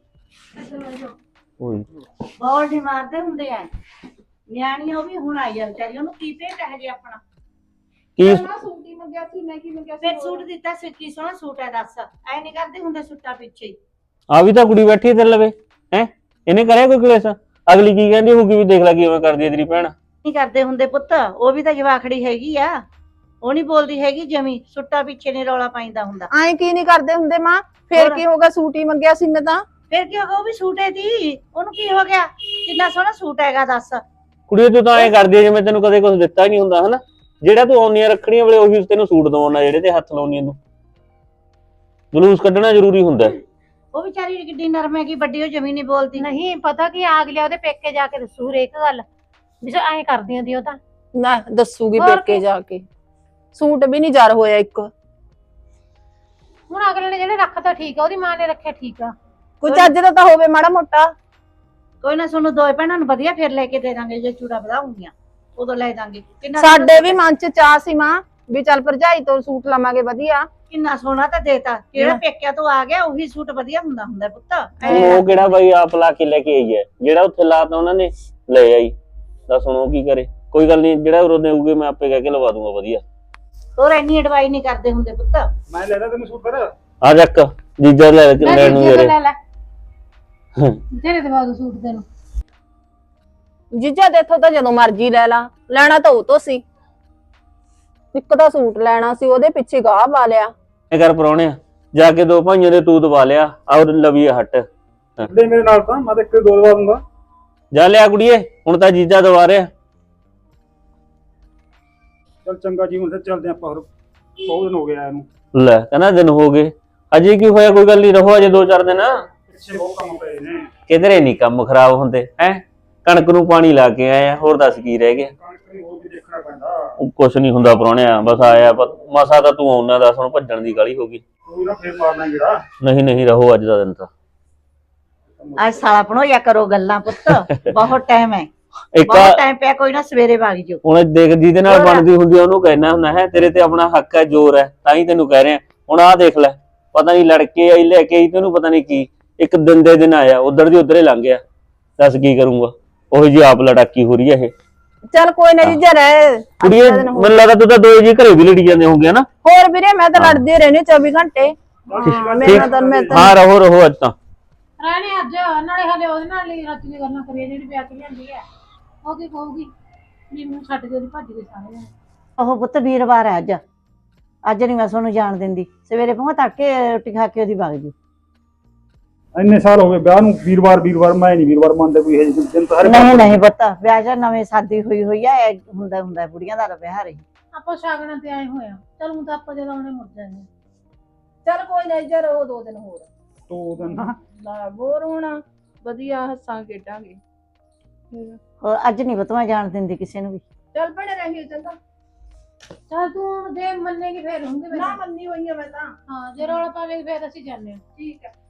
Speaker 5: ਓਏ
Speaker 1: ਬੋਲ ਨਹੀਂ ਮਾਰਦੇ ਹੁੰਦੇ ਆ ਨਿਆਣੀ, ਉਹ ਵੀ ਹੁਣ ਆਈ ਆ ਵਿਚਾਰੀ, ਉਹਨੂੰ ਕੀ ਭੇਟ ਹੈ ਜੇ ਆਪਣਾ।
Speaker 5: ਕੀ
Speaker 2: ਨਾ ਸੂਟ ਹੀ ਮੰਗਿਆ ਸੀ, ਮੈਂ ਕੀ ਮੰਗਿਆ ਸੀ
Speaker 1: ਫਿਰ
Speaker 2: ਹੋਰ?
Speaker 1: ਸੂਟ ਦਿੱਤਾ ਸੀ, ਕੀ ਸੋਹਣਾ ਸੂਟ ਹੈ ਦੱਸ। ਐ ਨਹੀਂ ਕਰਦੇ ਹੁੰਦੇ ਸੂਟਾਂ ਪਿੱਛੇ ਹੀ।
Speaker 5: ਆ ਵੀ ਤਾਂ ਕੁੜੀ ਬੈਠੀ ਤੇ ਲਵੇ ਹੈ, ਇਹਨੇ ਕਰਿਆ ਕੋਈ ਕਲੇਸ਼? ਅਗਲੀ ਕੀ ਕਹਿੰਦੀ ਹੋਊਗੀ ਵੀ ਦੇਖ ਲੈ ਕਿਵੇਂ ਕਰਦੀ ਹੈ ਤੇਰੀ ਭੈਣ।
Speaker 1: ਨਹੀਂ ਕਰਦੇ ਹੁੰਦੇ ਪੁੱਤ, ਉਹ ਵੀ ਤਾਂ ਜਵਾਖੜੀ ਹੈਗੀ ਆ, ਉਹ ਨਹੀਂ ਬੋਲਦੀ ਹੈਗੀ ਜਮੀ। ਸੂਟਾਂ ਪਿੱਛੇ ਨਹੀਂ ਰੌਲਾ ਪਾਈਂਦਾ ਹੁੰਦਾ।
Speaker 3: ਐਂ ਕੀ ਨਹੀਂ ਕਰਦੇ ਹੁੰਦੇ ਮਾਂ? ਫੇਰ
Speaker 1: ਹੋਰ?
Speaker 3: ਕੀ ਹੋਗਾ, ਸੂਟ ਹੀ ਮੰਗਿਆ ਸੀ ਮੈਂ ਤਾਂ।
Speaker 1: ਫਿਰ ਕੀ ਹੋ ਗਿਆ, ਉਹ ਵੀ ਸੂਟ ਹੈ ਦੀ, ਉਹਨੂੰ ਕੀ ਹੋ ਗਿਆ? ਕਿੰਨਾ ਸੋਹਣਾ ਸੂਟ ਹੈਗਾ ਦੱਸ।
Speaker 5: ਕੁੜੀ ਤੂੰ ਤਾਂ ਐਂ ਕਰਦੀ ਹੈ ਜਿਵੇਂ ਤੈਨੂੰ ਕਦੇ ਕੁਝ ਦਿੱਤਾ ਹੀ ਨਹੀਂ ਹੁੰਦਾ ਹਨਾ। ਜਿਹੜਾ ਤੂੰ ਆਉਣੀਆਂ ਰੱਖੜੀਆਂ ਵੇਲੇ ਉਹੀ ਤੈਨੂੰ ਸੂਟ ਦਵਾਉਣਾ, ਜਿਹੜੇ ਤੇ ਹੱਥ ਲਾਉਣੀ ਤੂੰ। ਜਲੂਸ ਕੱਢਣਾ ਜ਼ਰੂਰੀ ਹੁੰਦਾ।
Speaker 1: ਉਹ ਵਿਚਾਰੀ ਕਿੱਡੀ ਨਰਮ ਹੈਗੀ, ਵੱਡੀ ਉਹ ਜਮੀ ਨਹੀਂ ਬੋਲਦੀ।
Speaker 4: ਨਹੀਂ ਪਤਾ ਕੀ ਆਗ ਲਿਆ ਉਹਦੇ ਪੇਕੇ ਜਾ ਕੇ ਦੱਸੂ ਹਰੇਕ ਗੱਲ ਵੀ ਜੋ ਐਂ ਕਰਦੀ ਹੁੰਦੀ ਉਹ ਤਾਂ।
Speaker 3: ਨਾ ਦੱਸੂਗੀ
Speaker 4: ਹੋਰ
Speaker 3: ਪੇਕੇ
Speaker 4: ਕੀ?
Speaker 3: ਜਾ ਕੇ। ਸੂਟ ਵੀ ਨਹੀਂ ਜਰ ਹੋਇਆ ਇੱਕ।
Speaker 4: ਹੁਣ ਅਗਲੇ ਨੇ ਜਿਹੜੇ ਰੱਖਤਾ ਠੀਕ ਆ, ਉਹਦੀ ਮਾਂ ਨੇ ਰੱਖਿਆ ਠੀਕ ਆ।
Speaker 3: ਕੋਈ ਚੱਜ ਦਾ ਤਾਂ ਹੋਵੇ ਮਾੜਾ ਮੋਟਾ।
Speaker 1: ਕੋਈ ਨਾ, ਤੁਹਾਨੂੰ ਦੋਏ ਭੈਣਾਂ ਨੂੰ ਵਧੀਆ ਫੇਰ ਲੈ ਕੇ ਦੇ ਦਾਂਗੇ, ਜੇ ਚੂੜਾ ਵਧਾਉਂਗੀਆਂ ਉਦੋਂ ਲੈ ਦਾਂਗੇ। ਕਿੰਨਾ
Speaker 3: ਸਾਡੇ ਵੀ ਮਨ ਚ ਚਾਹ ਸੀ ਮਾਂ ਵੀ ਚੱਲ ਭਰਜਾਈ ਤੋਂ ਸੂਟ ਲਵਾਂਗੇ ਵਧੀਆ।
Speaker 1: ਕਿੰਨਾ ਸੋਹਣਾ ਤਾਂ ਦੇਤਾ, ਕਿਹੜਾ ਪੇਕਿਆਂ ਤੋਂ ਆ ਗਿਆ ਉਹੀ ਸੂਟ ਵਧੀਆ ਹੁੰਦਾ ਹੁੰਦਾ ਪੁੱਤ।
Speaker 5: ਹੁਣ ਉਹ ਕਿਹੜਾ ਬਾਈ ਆਪ ਲਾ ਕੇ ਲੈ ਕੇ ਆਈ ਹੈ, ਜਿਹੜਾ ਉੱਥੇ ਲਾਤਾ ਉਹਨਾਂ ਨੇ ਲੈ ਆਈ। ਦੱਸ ਹੁਣ ਉਹ ਕੀ ਕਰੇ? ਕੋਈ ਗੱਲ ਨਹੀਂ, ਜਿਹੜਾ ਉਰੋਂ ਦੇਊਗੇ ਮੈਂ ਆਪੇ ਕਹਿ ਕੇ ਲਵਾ ਦੂੰਗਾ ਵਧੀਆ।
Speaker 1: ਹੋਰ ਇੰਨੀ ਅਡਵਾਈ ਨਹੀਂ ਕਰਦੇ ਹੁੰਦੇ ਪੁੱਤ।
Speaker 7: ਮੈਂ ਲੈ ਲਾ ਤੈਨੂੰ ਸੂਟ ਫਿਰ।
Speaker 5: ਆ ਚੱਕ ਜੀਜਾ ਲੈ ਕੇ ਲੈਣ ਨੂੰ ਯਾਰੇ।
Speaker 4: ਲੈ ਲੈ ਜਿਹੜੇ ਦਵਾ ਦੋ ਸੂਟ ਤੈਨੂੰ।
Speaker 3: ਜੀਜਾ ਦੇਖੋ ਤਾਂ ਜਦੋਂ ਮਰਜ਼ੀ ਲੈ ਲਾ, ਲੈਣਾ ਤਾਂ ਉਹ ਤੋਂ ਸੀ। ਇੱਕ ਤਾਂ ਸੂਟ ਲੈਣਾ ਸੀ, ਉਹਦੇ ਪਿੱਛੇ ਗਾਹ ਪਾ ਲਿਆ।
Speaker 5: ਇਹ ਕਰ ਪਰੌਣਿਆ, ਜਾ ਕੇ ਦੋ ਭਾਈਆਂ ਦੇ ਤੂਤ ਦਵਾ ਲਿਆ ਔਰ ਲਵੀਏ ਹੱਟ।
Speaker 7: ਲੈ ਮੇਰੇ ਨਾਲ ਤਾਂ ਮੈਂ ਤਾਂ ਇੱਕ ਦੋ ਦਵਾ ਦੂੰਗਾ।
Speaker 5: ਜਾ ਲਿਆ ਕੁੜੀਏ, ਹੁਣ ਤਾਂ ਜੀਜਾ ਦਵਾ ਰਿਹਾ।
Speaker 7: ਚੱਲ ਚੰਗਾ ਜੀ, ਹੁਣ ਫਿਰ ਚੱਲਦੇ ਆਪਾਂ। ਹੋਰ ਬਹੁਤ ਦਿਨ ਹੋ ਗਿਆ ਇਹਨੂੰ।
Speaker 5: ਲੈ ਕਹਿੰਦਾ ਦਿਨ ਹੋ ਗਏ, ਅਜੇ ਕੀ ਹੋਇਆ? ਕੋਈ ਗੱਲ ਨਹੀਂ, ਰਹੋ ਅਜੇ ਦੋ ਚਾਰ ਦਿਨ।
Speaker 7: ਪਿੱਛੇ ਬਹੁਤ ਕੰਮ ਪਏ ਨੇ।
Speaker 5: ਕਿਧਰੇ ਨਹੀਂ ਕੰਮ ਖਰਾਬ ਹੁੰਦੇ ਹੈ। ਕਣਕ ਨੂੰ ਪਾਣੀ ਲਾ ਕੇ ਆਏ ਆ, ਹੋਰ ਦੱਸ ਕੀ ਰਹਿ ਗਿਆ?
Speaker 7: ਕਣਕ ਨੂੰ ਹੋਰ ਵੀ ਦੇਖਣਾ ਪੈਂਦਾ।
Speaker 5: ਕੁਛ ਨਹੀਂ ਹੁੰਦਾ ਪਰੌਣਿਆ, ਬਸ ਆਇਆ ਮਸਾ ਤਾਂ ਤੂੰ ਆਉਣਾ, ਦੱਸ ਹੁਣ ਭੱਜਣ ਦੀ ਗਾਲੀ ਹੋ ਗਈ।
Speaker 7: ਕੋਈ ਨਾ ਫੇਰ ਮਾਰਨਾ ਜਿਹੜਾ।
Speaker 5: ਨਹੀਂ ਨਹੀਂ, ਰਹੋ ਅੱਜ ਦਾ ਦਿਨ ਤਾਂ।
Speaker 1: ਅੱਜ ਸਾਲਾ ਬਣੋਇਆ ਕਰੋ ਗੱਲਾਂ ਪੁੱਤ, ਬਹੁਤ ਟਾਈਮ ਹੈ,
Speaker 5: ਇੱਕ
Speaker 1: ਬਹੁਤ ਟਾਈਮ ਪਿਆ। ਕੋਈ ਨਾ ਸਵੇਰੇ ਵਗ ਜਾਓ।
Speaker 5: ਹੁਣ ਦੇਖ ਜਿਹਦੇ ਨਾਲ
Speaker 1: ਹੋਰ।
Speaker 5: ਬਣਦੀ ਹੁੰਦੀ ਆ ਉਹਨੂੰ ਕਹਿਣਾ ਹੁੰਦਾ ਹੈ, ਤੇਰੇ ਤੇ ਆਪਣਾ ਹੱਕ ਹੈ, ਜ਼ੋਰ ਹੈ, ਤਾਂ ਹੀ ਤੈਨੂੰ ਕਹਿ ਰਿਹਾ। ਹੁਣ ਆਹ ਦੇਖ ਲੈ, ਪਤਾ ਨਹੀਂ ਲੜਕੇ ਆਈ ਲੈ ਕੇ ਆਈ ਤੈਨੂੰ ਪਤਾ ਨਹੀਂ ਕੀ ਇੱਕ ਦਿਨ ਦੇ ਦਿਨ ਆਇਆ ਉਧਰ ਦੀ ਉਧਰ ਹੀ ਲੰਘ ਗਿਆ। ਦੱਸ ਕੀ ਕਰੂੰਗਾ ਉਹੀ ਜੀ ਆਪ ਲੜਾਕੀ ਹੋ ਰਹੀ ਹੈ ਇਹ
Speaker 3: ਚੱਲ ਕੋਈ ਨਾ ਜੀਜਾ ਰਹਿ
Speaker 5: ਕੁੜੀਏ
Speaker 3: ਅੱਧਾ ਦਿਨ ਹੋਰ।
Speaker 5: ਮੈਨੂੰ ਲੱਗਦਾ ਤੂੰ ਤਾਂ ਦੋਏ ਜੀ ਘਰੇ ਵੀ ਲੜੀ ਜਾਂਦੇ ਹੋਗੇ ਨਾ।
Speaker 3: ਹੋਰ ਵੀਰੇ ਮੈਂ ਤਾਂ ਲੜਦੀ ਰਹਿਣੀ ਚੌਵੀ ਘੰਟੇ ਹਾਂ, ਮੇਰੇ ਨਾਲ ਤਾਂ ਮੈਂ ਤਾਂ
Speaker 5: ਹਾਂ ਰਹੋ ਰਹੋ ਅੱਜ ਤਾਂ
Speaker 4: ਰਾਣੀ ਅੱਜ ਨਾਲੇ ਹਲੇ ਉਹਦੇ ਨਾਲ ਹੀ ਰਾਤੀ ਦੀ ਗੱਲਾਂ ਕਰੀਏ ਜਿਹੜੀ ਵਿਆਹ ਕੇ ਲਿਆਂਦੀ ਹੈ ਉਹ ਕੀ ਕਹੂਗੀ ਵੀ ਮੈਨੂੰ ਛੱਡ ਕੇ ਉਹਦੀ ਭੱਜ ਗਏ ਸਾਰੇ ਜਣੇ।
Speaker 1: ਉਹ ਪੁੱਤ ਵੀਰਵਾਰ ਹੈ ਅੱਜ ਅੱਜ ਨਹੀਂ ਮੈਂ ਤੁਹਾਨੂੰ ਜਾਣ ਦਿੰਦੀ ਸਵੇਰੇ ਪਹੁੰਚ ਤੱਕ ਰੋਟੀ ਖਾ ਕੇ ਉਹਦੀ ਵਗ ਜੂ।
Speaker 7: ਇੰਨੇ ਸਾਲ ਹੋ ਗਏ ਵਿਆਹ ਨੂੰ ਵੀਰਵਾਰ ਵੀਰਵਾਰ ਮੈਂ ਨਹੀਂ ਵੀਰਵਾਰ ਮੰਨਦਾ ਕੋਈ ਇਹ ਦਿਨ ਤਾਂ ਹਰੇ
Speaker 1: ਨਹੀਂ ਨਹੀਂ ਪੁੱਤ ਵਿਆਹ ਜਾਂ ਨਵੇਂ ਸ਼ਾਦੀ ਹੋਈ ਹੋਈ ਆ ਇਹ ਹੁੰਦਾ ਹੁੰਦਾ ਬੁੜੀਆਂ ਦਾ ਵਿਆਹ ਰਹੀ।
Speaker 4: ਆਪਾਂ ਸ਼ਾਗਣਾ ਤੇ ਆਏ ਹੋਏ ਆ ਚਲ ਹੁਣ ਤਾਂ ਆਪਾਂ ਜਦੋਂ ਆਉਣੇ ਮੁੜ ਜਾਂਦੇ
Speaker 3: ਚੱਲ ਕੋਈ ਨਾ ਜੀਜਾ ਰਹੋ ਦੋ ਦਿਨ ਹੋਰ
Speaker 7: ਦੋ ਦਿਨ ਨਾ
Speaker 3: ਲਾ ਬੋਰ ਹੋਣਾ ਵਧੀਆ ਹੱਸਾਂ ਖੇਡਾਂਗੇ।
Speaker 1: ਹੋਰ ਅੱਜ ਨਹੀਂ ਪੁੱਤ ਮੈਂ ਜਾਣ ਦਿੰਦੀ ਕਿਸੇ ਨੂੰ ਵੀ।
Speaker 3: ਚੱਲ ਭੈਣੇ ਰਹੀ ਚੰਗਾ
Speaker 4: ਚਲ ਤੂੰ ਹੁਣ ਜੇ ਮੰਨੇਗੀ ਫੇਰ ਹੁੰਗੇ
Speaker 3: ਨਾ ਮੰਨੀ ਹੋਈ ਆ ਮੈਂ ਤਾਂ
Speaker 4: ਹਾਂ ਜੇ ਰੌਲਾ ਪਾਵੇਗੀ ਫੇਰ ਅਸੀਂ ਜਾਂਦੇ ਹਾਂ।
Speaker 3: ਠੀਕ ਹੈ।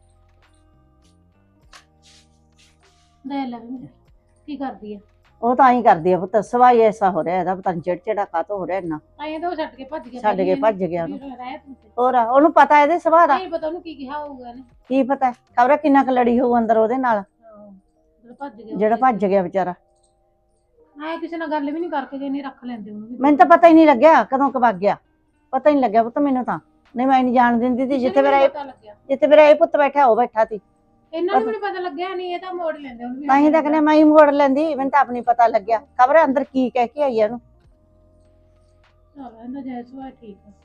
Speaker 4: ਲੈ ਲੈ ਵੀ ਕੀ ਕਰਦੀ ਆ
Speaker 1: ਉਹ ਤਾਂ ਹੀ ਕਰਦੀ ਆ ਪੁੱਤ ਸਵਾਈ ਐਸਾ ਹੋ ਰਿਹਾ ਇਹਦਾ ਪਤਾ ਨਹੀਂ ਚਿੜਚਿੜਾ ਕਾਤੋਂ ਹੋ ਰਿਹਾ ਇੰਨਾ
Speaker 4: ਐਂ ਤਾਂ ਉਹ ਛੱਡ ਕੇ ਭੱਜ ਗਿਆ
Speaker 1: ਛੱਡ ਕੇ ਭੱਜ ਗਿਆ ਉਹਨੂੰ।
Speaker 4: ਰਹਿ ਤੂੰ ਤੇ
Speaker 1: ਹੋਰ ਉਹਨੂੰ ਪਤਾ ਇਹਦੇ ਸੁਭਾਅ ਦਾ
Speaker 4: ਨਹੀਂ ਪਤਾ ਉਹਨੂੰ ਕੀ ਕਿਹਾ ਹੋਊਗਾ ਨੇ
Speaker 1: ਕੀ ਪਤਾ ਖਬਰ ਕਿੰਨਾ ਕੁ ਲੜੀ ਹੋਊ ਅੰਦਰ ਉਹਦੇ ਨਾਲ
Speaker 4: ਜਿਹੜਾ ਭੱਜ ਗਿਆ
Speaker 1: ਜਿਹੜਾ ਭੱਜ ਗਿਆ ਵਿਚਾਰਾ।
Speaker 4: ਐ ਕਿਸੇ ਨਾਲ ਗੱਲ ਵੀ ਨਹੀਂ ਕਰਕੇ ਜੇ ਨਹੀਂ ਰੱਖ ਲੈਂਦੇ ਉਹਨੂੰ ਵੀ
Speaker 1: ਮੈਨੂੰ ਤਾਂ ਪਤਾ ਹੀ ਨਹੀਂ ਲੱਗਿਆ ਕਦੋਂ ਕੁ ਵਗ ਗਿਆ ਪਤਾ ਹੀ ਨਹੀਂ ਲੱਗਿਆ ਪੁੱਤ ਮੈਨੂੰ ਤਾਂ ਨਹੀਂ ਮੈਂ ਨਹੀਂ ਜਾਣ ਦਿੰਦੀ ਸੀ ਜਿੱਥੇ ਮੇਰਾ ਇਹ
Speaker 4: ਪਤਾ ਲੱਗਿਆ
Speaker 1: ਜਿੱਥੇ ਮੇਰਾ ਇਹ ਪੁੱਤ ਬੈਠਾ ਉਹ ਬੈਠਾ ਸੀ
Speaker 4: ਇਹਨਾਂ ਨੂੰ ਵੀ ਨੀ ਪਤਾ ਲੱਗਿਆ ਨਹੀਂ ਇਹ ਤਾਂ ਮੋੜ ਲੈਂਦੇ ਉਹਨੂੰ ਵੀ
Speaker 1: ਤਾਂ ਹੀ ਤਾਂ ਕਹਿੰਦੇ ਮੈਂ ਹੀ ਮੋੜ ਲੈਂਦੀ ਮੈਨੂੰ ਤਾਂ ਆਪਣੀ ਪਤਾ ਲੱਗਿਆ ਖਬਰ ਅੰਦਰ ਕੀ ਕਹਿ ਕੇ ਆਈ ਆ ਉਹਨੂੰ।
Speaker 4: ਚਲੋ ਇਹਨਾਂ ਜੈਸੂ ਹੈ ਠੀਕ ਆ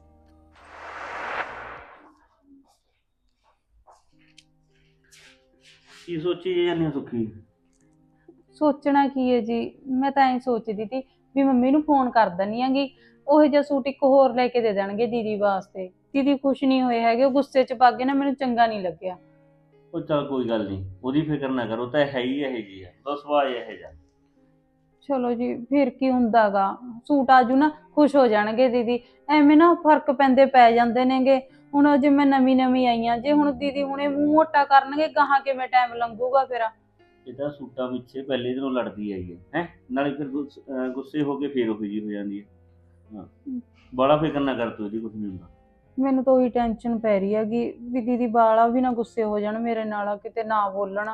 Speaker 6: ਕੀ ਸੋਚੀ ਜਾਂਦੀ ਸੁੱਖੀ?
Speaker 2: ਸੋਚਣਾ ਕੀ ਹੈ ਜੀ ਮੈਂ ਤਾਂ ਐਂ ਸੋਚਦੀ ਸੀ ਵੀ ਮੰਮੀ ਨੂੰ ਫੋਨ ਕਰ ਦਿੰਨੀ ਆਂਗੀ ਉਹ ਜਿਹਾ ਸੂਟ ਇੱਕ ਹੋਰ ਲੈ ਕੇ ਦੇ ਦੇਣਗੇ ਦੀਦੀ ਵਾਸਤੇ। ਦੀਦੀ ਖੁਸ਼ ਨਹੀਂ ਹੋਏ ਹੈਗੇ ਉਹ ਗੁੱਸੇ 'ਚ ਪਾ ਕੇ ਨਾ ਮੈਨੂੰ ਚੰਗਾ ਨਹੀਂ ਲੱਗਿਆ।
Speaker 6: ਉਹ ਚੱਲ ਕੋਈ ਗੱਲ ਨਹੀਂ ਉਹਦੀ ਫਿਕਰ ਨਾ ਕਰੋ ਤਾਂ ਹੈ ਹੀ ਇਹ ਜੀ ਹੈ ਤਾਂ ਸੁਭਾਅ ਇਹ ਜਾ।
Speaker 2: ਚਲੋ ਜੀ ਫਿਰ ਕੀ ਹੁੰਦਾਗਾ ਸੂਟ ਆਜੂ ਨਾ ਖੁਸ਼ ਹੋ ਜਾਣਗੇ ਦੀਦੀ ਐਵੇਂ ਨਾ ਫਰਕ ਪੈਂਦੇ ਪੈ ਜਾਂਦੇ ਨੇਗੇ। ਹੁਣ ਜੇ ਮੈਂ ਨਵੀਂ ਨਵੀਂ ਆਈ ਆ ਜੇ ਹੁਣ ਦੀਦੀ ਹੁਣੇ ਮੂੰਹ ਮੋਟਾ ਕਰਨਗੇ ਗਾਹਾਂ ਕਿਵੇਂ ਟਾਈਮ ਲੰਘੂਗਾ ਫਿਰ।
Speaker 6: ਇਹ ਤਾਂ ਸੂਟਾਂ ਪਿੱਛੇ ਪਹਿਲੇ ਦਿਨੋਂ ਲੜਦੀ ਆਈ ਹੈ ਹੈ ਨਾਲੇ ਫਿਰ ਗੁੱਸ- ਅਹ ਗੁੱਸੇ ਹੋ ਕੇ ਫੇਰ ਉਹੀ ਜੀ ਹੋ ਜਾਂਦੀ ਹੈ। ਹਾਂ ਬੜਾ ਫਿਕਰ ਨਾ ਕਰ ਤੂੰ ਇਹਦੀ ਕੁਝ ਨਹੀਂ ਹੁੰਦਾ।
Speaker 2: ਮੈਨੂੰ ਤਾਂ ਉਹੀ ਟੈਨਸ਼ਨ ਪੈ ਰਹੀ ਹੈਗੀ ਵੀ ਦੀਦੀ ਬਾਲਾ ਵੀ ਨਾ ਗੁੱਸੇ ਹੋ ਜਾਣ ਮੇਰੇ ਨਾਲ ਕਿਤੇ ਨਾ ਬੋਲਣ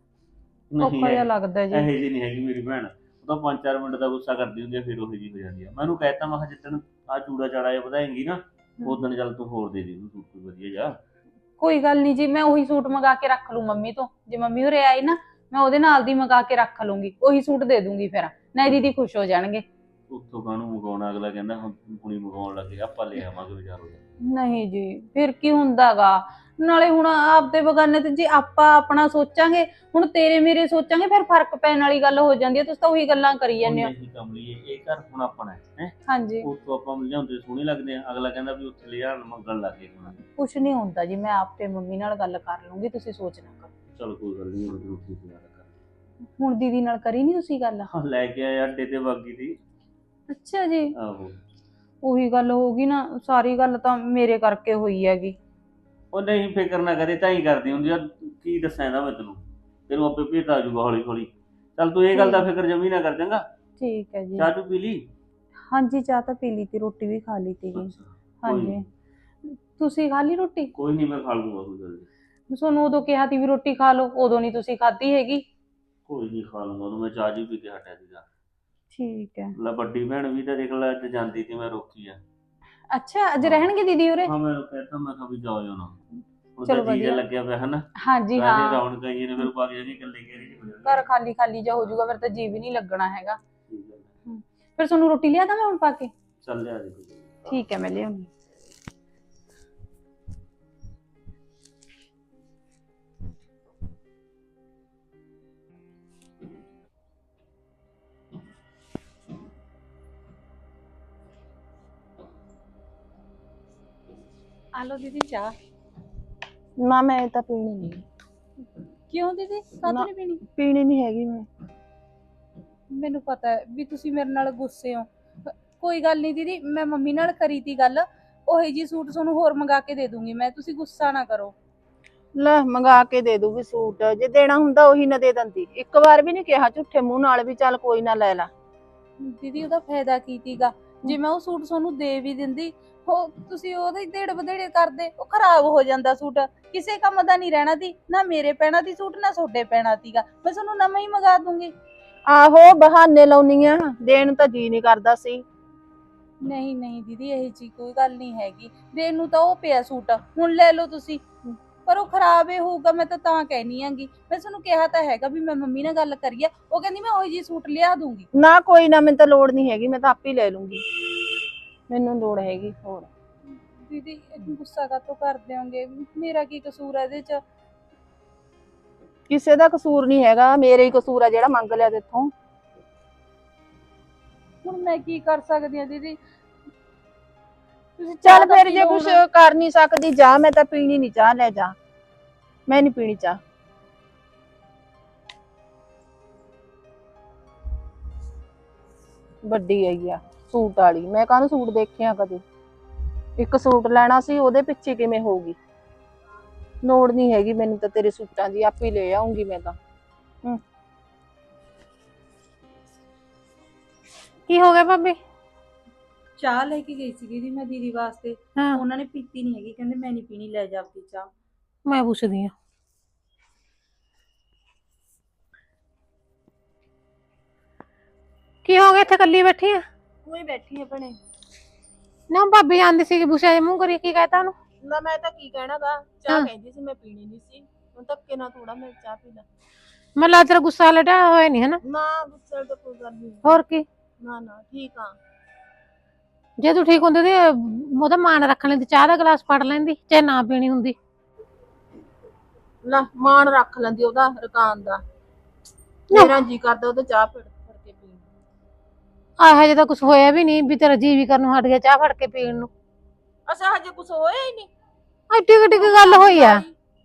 Speaker 2: ਔਖਾ ਜਿਹਾ ਲੱਗਦਾ ਜੀ।
Speaker 6: ਇਹੋ ਜਿਹੀ ਨਹੀਂ ਹੈਗੀ ਮੇਰੀ ਭੈਣ ਉਹ ਤਾਂ ਪੰਜ ਚਾਰ ਮਿੰਟ ਦਾ ਗੁੱਸਾ ਕਰਦੀ ਹੁੰਦੀ ਹੈ ਫਿਰ ਉਹੀ ਜੀ ਹੋ ਜਾਂਦੀ ਹੈ। ਮੈਂ ਉਹਨੂੰ ਕਹਿਤਾ ਮੈਂ ਕਿਹਾ ਜਿੱਦਣ ਆ ਚੂੜਾ ਚਾੜਾ ਜਿਹਾ ਵਧਾਏਂਗੀ ਨਾ ਉਦੋਂ ਚੱਲ ਤੂੰ ਹੋਰ ਦੇ ਦੇ ਉਹਨੂੰ ਸੂਟ ਕੋਈ ਵਧੀਆ ਜਾ।
Speaker 2: ਕੋਈ ਗੱਲ ਨਹੀਂ ਜੀ ਮੈਂ ਉਹੀ ਸੂਟ ਮੰਗਾ ਕੇ ਰੱਖ ਲੂ ਮੰਮੀ ਤੋਂ ਜੇ ਮੰਮੀ ਉਰੇ ਆਈ ਨਾ ਮੈਂ ਉਹਦੇ ਨਾਲ ਦੀ ਮੰਗਾ ਕੇ ਰੱਖ ਲੂੰਗੀ ਉਹੀ ਸੂਟ ਦੇ ਦੂੰਗੀ ਫਿਰ ਨਹੀਂ ਦੀਦੀ ਖੁਸ਼ ਹੋ ਜਾਣਗੇ।
Speaker 6: ਉੱਥੋਂ ਕਾਹਨੂੰ ਮੰਗਾਉਣਾ ਅਗਲਾ ਕਹਿੰਦਾ ਹੁਣ ਹੁਣੀ ਮੰਗਾਉਣ ਲੱਗੇ ਆਪਾਂ ਲੈ ਆਵਾਂਗੇ ਵਿਚਾਰੋ।
Speaker 2: ਨਹੀਂ ਜੀ ਫਿਰ ਕੀ ਹੁੰਦਾਗਾ ਨਾਲੇ ਹੁਣ ਆਪਦੇ ਬਗਾਨੇ ਤੇ ਜੇ ਆਪਾਂ ਆਪਣਾ ਸੋਚਾਂਗੇ ਹੁਣ ਤੇਰੇ ਮੇਰੇ ਸੋਚਾਂਗੇ ਫਿਰ ਫਰਕ ਪੈਣ ਵਾਲੀ ਗੱਲ ਹੋ ਜਾਂਦੀ ਹੈ। ਤੁਸੀਂ ਤਾਂ ਉਹੀ ਗੱਲਾਂ ਕਰੀ ਜਾਂਦੇ ਹੋ।
Speaker 6: ਨਹੀਂ ਕਮਲੀਏ ਇਹ ਘਰ ਹੁਣ ਆਪਣਾ ਹੈ ਹੈਂ?
Speaker 2: ਹਾਂਜੀ
Speaker 6: ਉੱਥੋਂ ਆਪਾਂ ਲਿਆਉਂਦੇ ਸੋਹਣੇ ਲੱਗਦੇ ਆ ਅਗਲਾ ਕਹਿੰਦਾ ਵੀ ਉੱਥੇ ਲਿਆਣ ਮੰਗਣ ਲੱਗੇ ਹੁਣ।
Speaker 2: ਕੁਛ ਨਹੀਂ ਹੁੰਦਾ ਜੀ ਮੈਂ ਆਪੇ ਮੰਮੀ ਨਾਲ ਗੱਲ ਕਰ ਲੂੰਗੀ ਤੁਸੀਂ ਸੋਚ ਨਾ ਕਰੋ।
Speaker 6: ਚਲ ਕੋਈ ਗੱਲ ਨਹੀਂ ਉਹ ਠੀਕ ਕਰ
Speaker 2: ਹੁਣ ਦੀਦੀ ਨਾਲ ਕਰੀ ਨਹੀਂ ਤੁਸੀਂ ਗੱਲ?
Speaker 6: ਹਾਂ ਲੈ ਕੇ ਆਇਆ ਅੱਡੇ ਤੇ ਬਾਗੀ ਦੀ।
Speaker 2: ਅੱਛਾ ਜੀ
Speaker 6: ਆਹੋ
Speaker 2: ਉਹੀ ਗੱਲ ਹੋ ਗਈ ਨਾ ਸਾਰੀ ਗੱਲ ਤਾਂ ਮੇਰੇ ਕਰਕੇ ਹੋਈ ਹੈਗੀ।
Speaker 6: ਉਹ ਨਹੀਂ ਫਿਕਰ ਨਾ ਕਰੇ ਤਾਂ ਹੀ ਕਰਦੀ ਹੁੰਦੀ ਆ ਕੀ ਦੱਸਾਂ ਇਹਦਾ ਮੈਂ ਤੈਨੂੰ ਤੈਨੂੰ ਆਪੇ ਭੇਤ ਆ ਜਾਊਗਾ ਹੌਲੀ ਹੌਲੀ। ਚੱਲ ਤੂੰ ਇਹ ਗੱਲ ਦਾ ਫਿਕਰ ਜਮੀ ਨਾ ਕਰ ਚੰਗਾ।
Speaker 2: ਠੀਕ ਹੈ ਜੀ।
Speaker 6: ਚਾਹ ਚੂ ਪੀ ਲਈ?
Speaker 2: ਹਾਂਜੀ ਚਾਹ ਤਾਂ ਪੀ ਲਈ ਤੀ ਰੋਟੀ ਵੀ ਖਾ ਲਈ ਤੀ
Speaker 6: ਕੋਈ
Speaker 2: ਹਾਂਜੀ ਤੁਸੀਂ ਖਾ ਲਈ ਰੋਟੀ?
Speaker 6: ਕੋਈ ਨਹੀਂ ਮੈਂ ਖਾ ਲੂੰਗਾ ਕੋਈ ਗੱਲ ਨੀ।
Speaker 2: ਤੁਹਾਨੂੰ ਉਦੋਂ ਕਿਹਾ ਤੀ ਵੀ ਰੋਟੀ ਖਾ ਲਓ ਉਦੋਂ ਨਹੀਂ ਤੁਸੀਂ ਖਾਧੀ ਹੈਗੀ।
Speaker 6: ਕੋਈ ਨਹੀਂ ਖਾ ਲੂੰਗਾ ਉਹਨੂੰ ਮੈਂ ਚਾਹ ਜੀ ਪੀ ਕੇ ਹਟਿਆ ਸੀਗਾ।
Speaker 2: ਠੀਕ ਹੈ।
Speaker 6: ਲੈ ਵੱਡੀ ਭੈਣ ਵੀ ਤਾਂ ਦੇਖ ਲੈ ਅੱਜ ਜਾਂਦੀ ਸੀ ਮੈਂ ਰੋਕੀ ਆ।
Speaker 2: ਅੱਛਾ ਅੱਜ ਰਹਿਣਗੇ ਦੀਦੀ ਉਰੇ?
Speaker 6: ਹਾਂ ਮੈਂ ਕਹਿਤਾ ਮੈਂ ਕਿਹਾ ਵੀ ਜਾਓ ਨਾ ਹੁਣ
Speaker 2: ਚਲੋ
Speaker 6: ਤਾਂ ਜੀ
Speaker 2: ਵਧੀਆ।
Speaker 6: ਲੱਗਿਆ ਪਿਆ ਹਨਾ
Speaker 2: ਹਾਂਜੀ ਹਾਂ
Speaker 6: ਸਾਰੇ ਰੌਣਕ ਆਈ ਨੇ ਫਿਰ ਬਾਕੀ ਜਿਹੜੀ ਇਕੱਲੇ ਗੇਰੀ ਹੋ ਜਾਣਗੇ।
Speaker 2: ਘਰ ਖਾਲੀ ਖਾਲੀ ਜਿਹਾ ਹੋ ਜਾਊਗਾ ਫਿਰ ਤਾਂ ਜੀ ਵੀ ਨਹੀਂ ਲੱਗਣਾ ਹੈਗਾ।
Speaker 6: ਠੀਕ ਹੈ।
Speaker 2: ਫਿਰ ਤੁਹਾਨੂੰ ਰੋਟੀ ਲਿਆ ਤਾਂ ਮੈਂ ਹੁਣ ਪਾ ਕੇ?
Speaker 6: ਚੱਲ ਲਿਆ ਦੇ ਕੋਈ।
Speaker 2: ਠੀਕ ਹੈ ਮੈਂ ਲਿਆਉਂਦੀ। ਆਲੋ ਦੀਦੀ ਚਾਹ।
Speaker 3: ਨਾ ਮੈਂ ਤਾਂ ਪੀਣੀ ਨਹੀਂ।
Speaker 2: ਕਿਉਂ ਦੀਦੀ ਕਾਹਤੋਂ ਨਹੀਂ ਪੀਣੀ?
Speaker 3: ਪੀਣੀ ਨਹੀਂ ਹੈਗੀ ਮੈਂ।
Speaker 2: ਮੈਨੂੰ ਪਤਾ ਹੈ ਵੀ ਤੁਸੀਂ ਮੇਰੇ ਨਾਲ ਗੁੱਸੇ ਹੋ। ਕੋਈ ਗੱਲ ਨਹੀਂ ਦੀਦੀ ਮੈਂ ਮੰਮੀ ਨਾਲ ਕਰੀ ਤੀ ਗੱਲ ਉਹੀ ਜੀ ਸੂਟ ਤੁਹਾਨੂੰ ਹੋਰ ਮੰਗਾ ਕੇ ਦੇ ਦੂੰਗੀ ਮੈਂ ਤੁਸੀਂ ਗੁੱਸਾ ਨਾ ਕਰੋ।
Speaker 3: ਲੈ ਮੰਗਾ ਕੇ ਦੇ ਦੂਗੀ ਸੂਟ ਜੇ ਦੇਣਾ ਹੁੰਦਾ ਉਹੀ ਨਾ ਦੇ ਦਿੰਦੀ। ਇੱਕ ਵਾਰ ਵੀ ਨਹੀਂ ਕਿਹਾ ਝੂਠੇ ਮੂੰਹ ਨਾਲ ਵੀ ਚੱਲ ਕੋਈ ਨਾ ਲੈ ਲਾ।
Speaker 2: ਦੀਦੀ ਉਹਦਾ ਫਾਇਦਾ ਕੀ ਤੀਗਾ ਜੇ ਮੈਂ ਉਹ ਸੂਟ ਤੁਹਾਨੂੰ ਦੇ ਵੀ ਦਿੰਦੀ ਉਹ ਤੁਸੀਂ ਉਹਦੇ ਢੇੜ ਵਧੇੜੇ ਕਰਦੇ, ਉਹ ਖਰਾਬ ਹੋ ਜਾਂਦਾ ਸੂਟ। ਕਿਸੇ ਕੰਮ ਦਾ ਨਹੀਂ ਰਹਿਣਾ ਦੀ, ਨਾ ਮੇਰੇ ਪੈਣਾ ਦੀ ਸੂਟ ਨਾ ਤੁਹਾਡੇ ਪੈਣਾ ਦੀਗਾ, ਮੈਂ ਤੁਹਾਨੂੰ ਨਵਾਂ ਹੀ ਮੰਗਾ ਦੂੰਗੀ।
Speaker 3: ਆਹੋ ਬਹਾਨੇ ਲਾਉਣੀ ਆ, ਦੇਣ ਨੂੰ ਤਾਂ ਜੀ ਨਹੀਂ ਕਰਦਾ ਸੀ।
Speaker 2: ਨਹੀਂ ਨਹੀਂ ਦੀਦੀ, ਇਹ ਜੀ ਕੋਈ ਗੱਲ ਨਹੀਂ ਹੈਗੀ, ਦੇਣ ਨੂੰ ਤਾਂ ਉਹ ਪਿਆ ਸੂਟ, ਹੁਣ ਲੈ ਲਓ ਤੁਸੀਂ। ਪਰ ਉਹ ਖਰਾਬ ਹੀ ਹੋਊਗਾ, ਮੈਂ ਤਾਂ ਤਾਂ ਕਹਿਨੀ ਆਂਗੀ। ਮੈਂ ਤੁਹਾਨੂੰ ਕਿਹਾ ਤਾਂ ਹੈਗਾ ਵੀ ਮੈਂ ਮੰਮੀ ਨਾਲ ਗੱਲ ਕਰੀਏ, ਉਹ ਕਹਿੰਦੀ ਮੈਂ ਉਹੀ ਜੀ ਸੂਟ ਲਿਆ ਦੂੰਗੀ।
Speaker 3: ਨਾ ਕੋਈ ਨਾ, ਮੈਨੂੰ ਤਾਂ ਲੋੜ ਨਹੀਂ ਹੈਗੀ, ਮੈਂ ਤਾਂ ਆਪੇ ਲੈ ਲੂੰਗੀ, ਮੈਨੂੰ ਲੋੜ ਹੈਗੀ ਹੋਰ।
Speaker 2: ਦੀਦੀ ਗੁੱਸਾ ਕਾਹਤੋਂ ਕਰਦੇ ਹੋਗੇ, ਮੇਰਾ ਕੀ ਕਸੂਰ ਹੈ ਇਹਦੇ ਚ?
Speaker 3: ਕਿਸੇ ਦਾ ਕਸੂਰ ਨਹੀਂ ਹੈਗਾ, ਮੇਰੇ ਹੀ ਕਸੂਰ ਆ ਜਿਹੜਾ ਮੰਗ ਲਿਆ ਤੇਥੋਂ।
Speaker 2: ਹੁਣ ਮੈਂ ਕੀ ਕਰ ਸਕਦੀ ਆ ਦੀਦੀ? ਤੁਸੀਂ
Speaker 3: ਚੱਲ
Speaker 2: ਚਾਹ ਤਾਂ
Speaker 3: ਫਿਰ
Speaker 2: ਪੀ
Speaker 3: ਜੇ
Speaker 2: ਲਓ
Speaker 3: ਕੁਛ
Speaker 2: ਹੁਣ।
Speaker 3: ਕਰ ਨਹੀਂ ਸਕਦੀ ਜਾ, ਮੈਂ ਤਾਂ ਪੀਣੀ ਨਹੀਂ ਚਾਹ, ਲੈ ਜਾ, ਮੈਂ ਨਹੀਂ ਪੀਣੀ ਚਾਹ। ਵੱਡੀ ਆਈ ਆ ਸੂਟ ਵਾਲੀ, ਮੈਂ ਕਾਹਨੂੰ ਸੂਟ ਦੇਖਿਆ ਕਦੇ। ਇੱਕ ਸੂਟ ਲੈਣਾ ਸੀ, ਉਹਦੇ ਪਿੱਛੇ ਕਿਵੇਂ ਹੋਊਗੀ। ਲੋੜ ਨਹੀਂ ਹੈਗੀ ਮੈਨੂੰ ਤਾਂ ਤੇਰੇ ਸੂਟਾਂ ਦੀ, ਆਪੇ ਲੈ ਆਉਂਗੀ ਮੈਂ ਤਾਂ। ਹੂੰ
Speaker 4: ਕੀ ਹੋ ਗਿਆ ਭਾਬੀ?
Speaker 2: ਚਾਹ ਲੈ ਕੇ ਗਈ ਸੀ ਦੀਦੀ ਮੈਂ ਦੀਦੀ ਵਾਸਤੇ,
Speaker 4: ਹਾਂ
Speaker 2: ਉਹਨਾਂ ਨੇ ਪੀਤੀ ਨਹੀਂ ਹੈਗੀ, ਕਹਿੰਦੇ ਮੈਂ ਨਹੀਂ ਪੀਣੀ, ਲੈ ਜਾ ਆਪਣੀ ਚਾਹ।
Speaker 4: ਮੈਂ ਪੁੱਛਦੀ ਆ। ਕੀ ਹੋ ਗਿਆ, ਇੱਥੇ ਕੱਲੀ ਬੈਠੀ ਆ?
Speaker 3: ਉਹੀ ਬੈਠੀ ਆ ਭਣੇ।
Speaker 4: ਨਾ ਭਾਬੀ ਆਂਦੀ ਸੀ ਕਿ ਬੁਸ਼ਾ ਜੇ ਮੂੰਹ ਕਰੀ, ਕੀ ਕਹਿਤਾ ਉਹਨੂੰ?
Speaker 3: ਨਾ ਮੈਂ ਤਾਂ ਕੀ ਕਹਿਣਾਗਾ,
Speaker 4: ਹਾਂ।
Speaker 3: ਚਾਹ ਕਹਿੰਦੀ ਸੀ, ਮੈਂ ਪੀਣੀ ਨਹੀਂ ਸੀ, ਹੁਣ ਧੱਕੇ ਨਾਲ ਥੋੜਾ ਮੈਂ ਚਾਹ ਪੀ ਲਾ।
Speaker 4: ਮਤਲਬ ਤੇਰਾ ਗੁੱਸਾ ਲਟਿਆ ਹੋਇਆ ਨਹੀਂ ਹਨਾ?
Speaker 3: ਨਾ ਗੁੱਸੇ ਤਾਂ ਕੋਈ ਗੱਲ ਨਹੀਂ।
Speaker 4: ਹੋਰ ਕੀ,
Speaker 3: ਨਾ ਨਾ ਠੀਕ ਆ।
Speaker 4: ਜੇ ਤੂੰ ਠੀਕ ਹੁੰਦੀ ਤੇ ਉਹਦਾ ਮਾਣ ਰੱਖ ਲੈਂਦੀ, ਚਾਹ ਦਾ ਗਲਾਸ ਫੜ ਲੈਂਦੀ, ਚਾਹੇ ਨਾ ਪੀਣੀ ਹੁੰਦੀ।
Speaker 3: ਲੈ ਮਾਣ ਰੱਖ ਲੈਂਦੀ ਉਹਦਾ ਰਕਾਨ ਦਾ, ਮੇਰਾ ਜੀ ਕਰਦਾ ਉਹਦਾ ਚਾਹ ਫੜ ਫੜ ਕੇ ਪੀਣ।
Speaker 4: ਆਹ ਜੇ ਤਾਂ ਕੁਝ ਹੋਇਆ ਵੀ ਨਹੀਂ ਵੀ ਤੇਰਾ ਜੀ ਵੀ ਕਰਨ ਨੂੰ ਹਟ ਗਿਆ ਚਾਹ ਫੜ ਕੇ ਪੀਣ ਨੂੰ।
Speaker 3: ਅਸਾਂ ਹਜੇ ਕੁਝ ਹੋਇਆ ਹੀ ਨਹੀਂ।
Speaker 4: ਐਡੀ ਕਿੱਡੀ ਕੁ ਗੱਲ ਹੋਈ ਆ?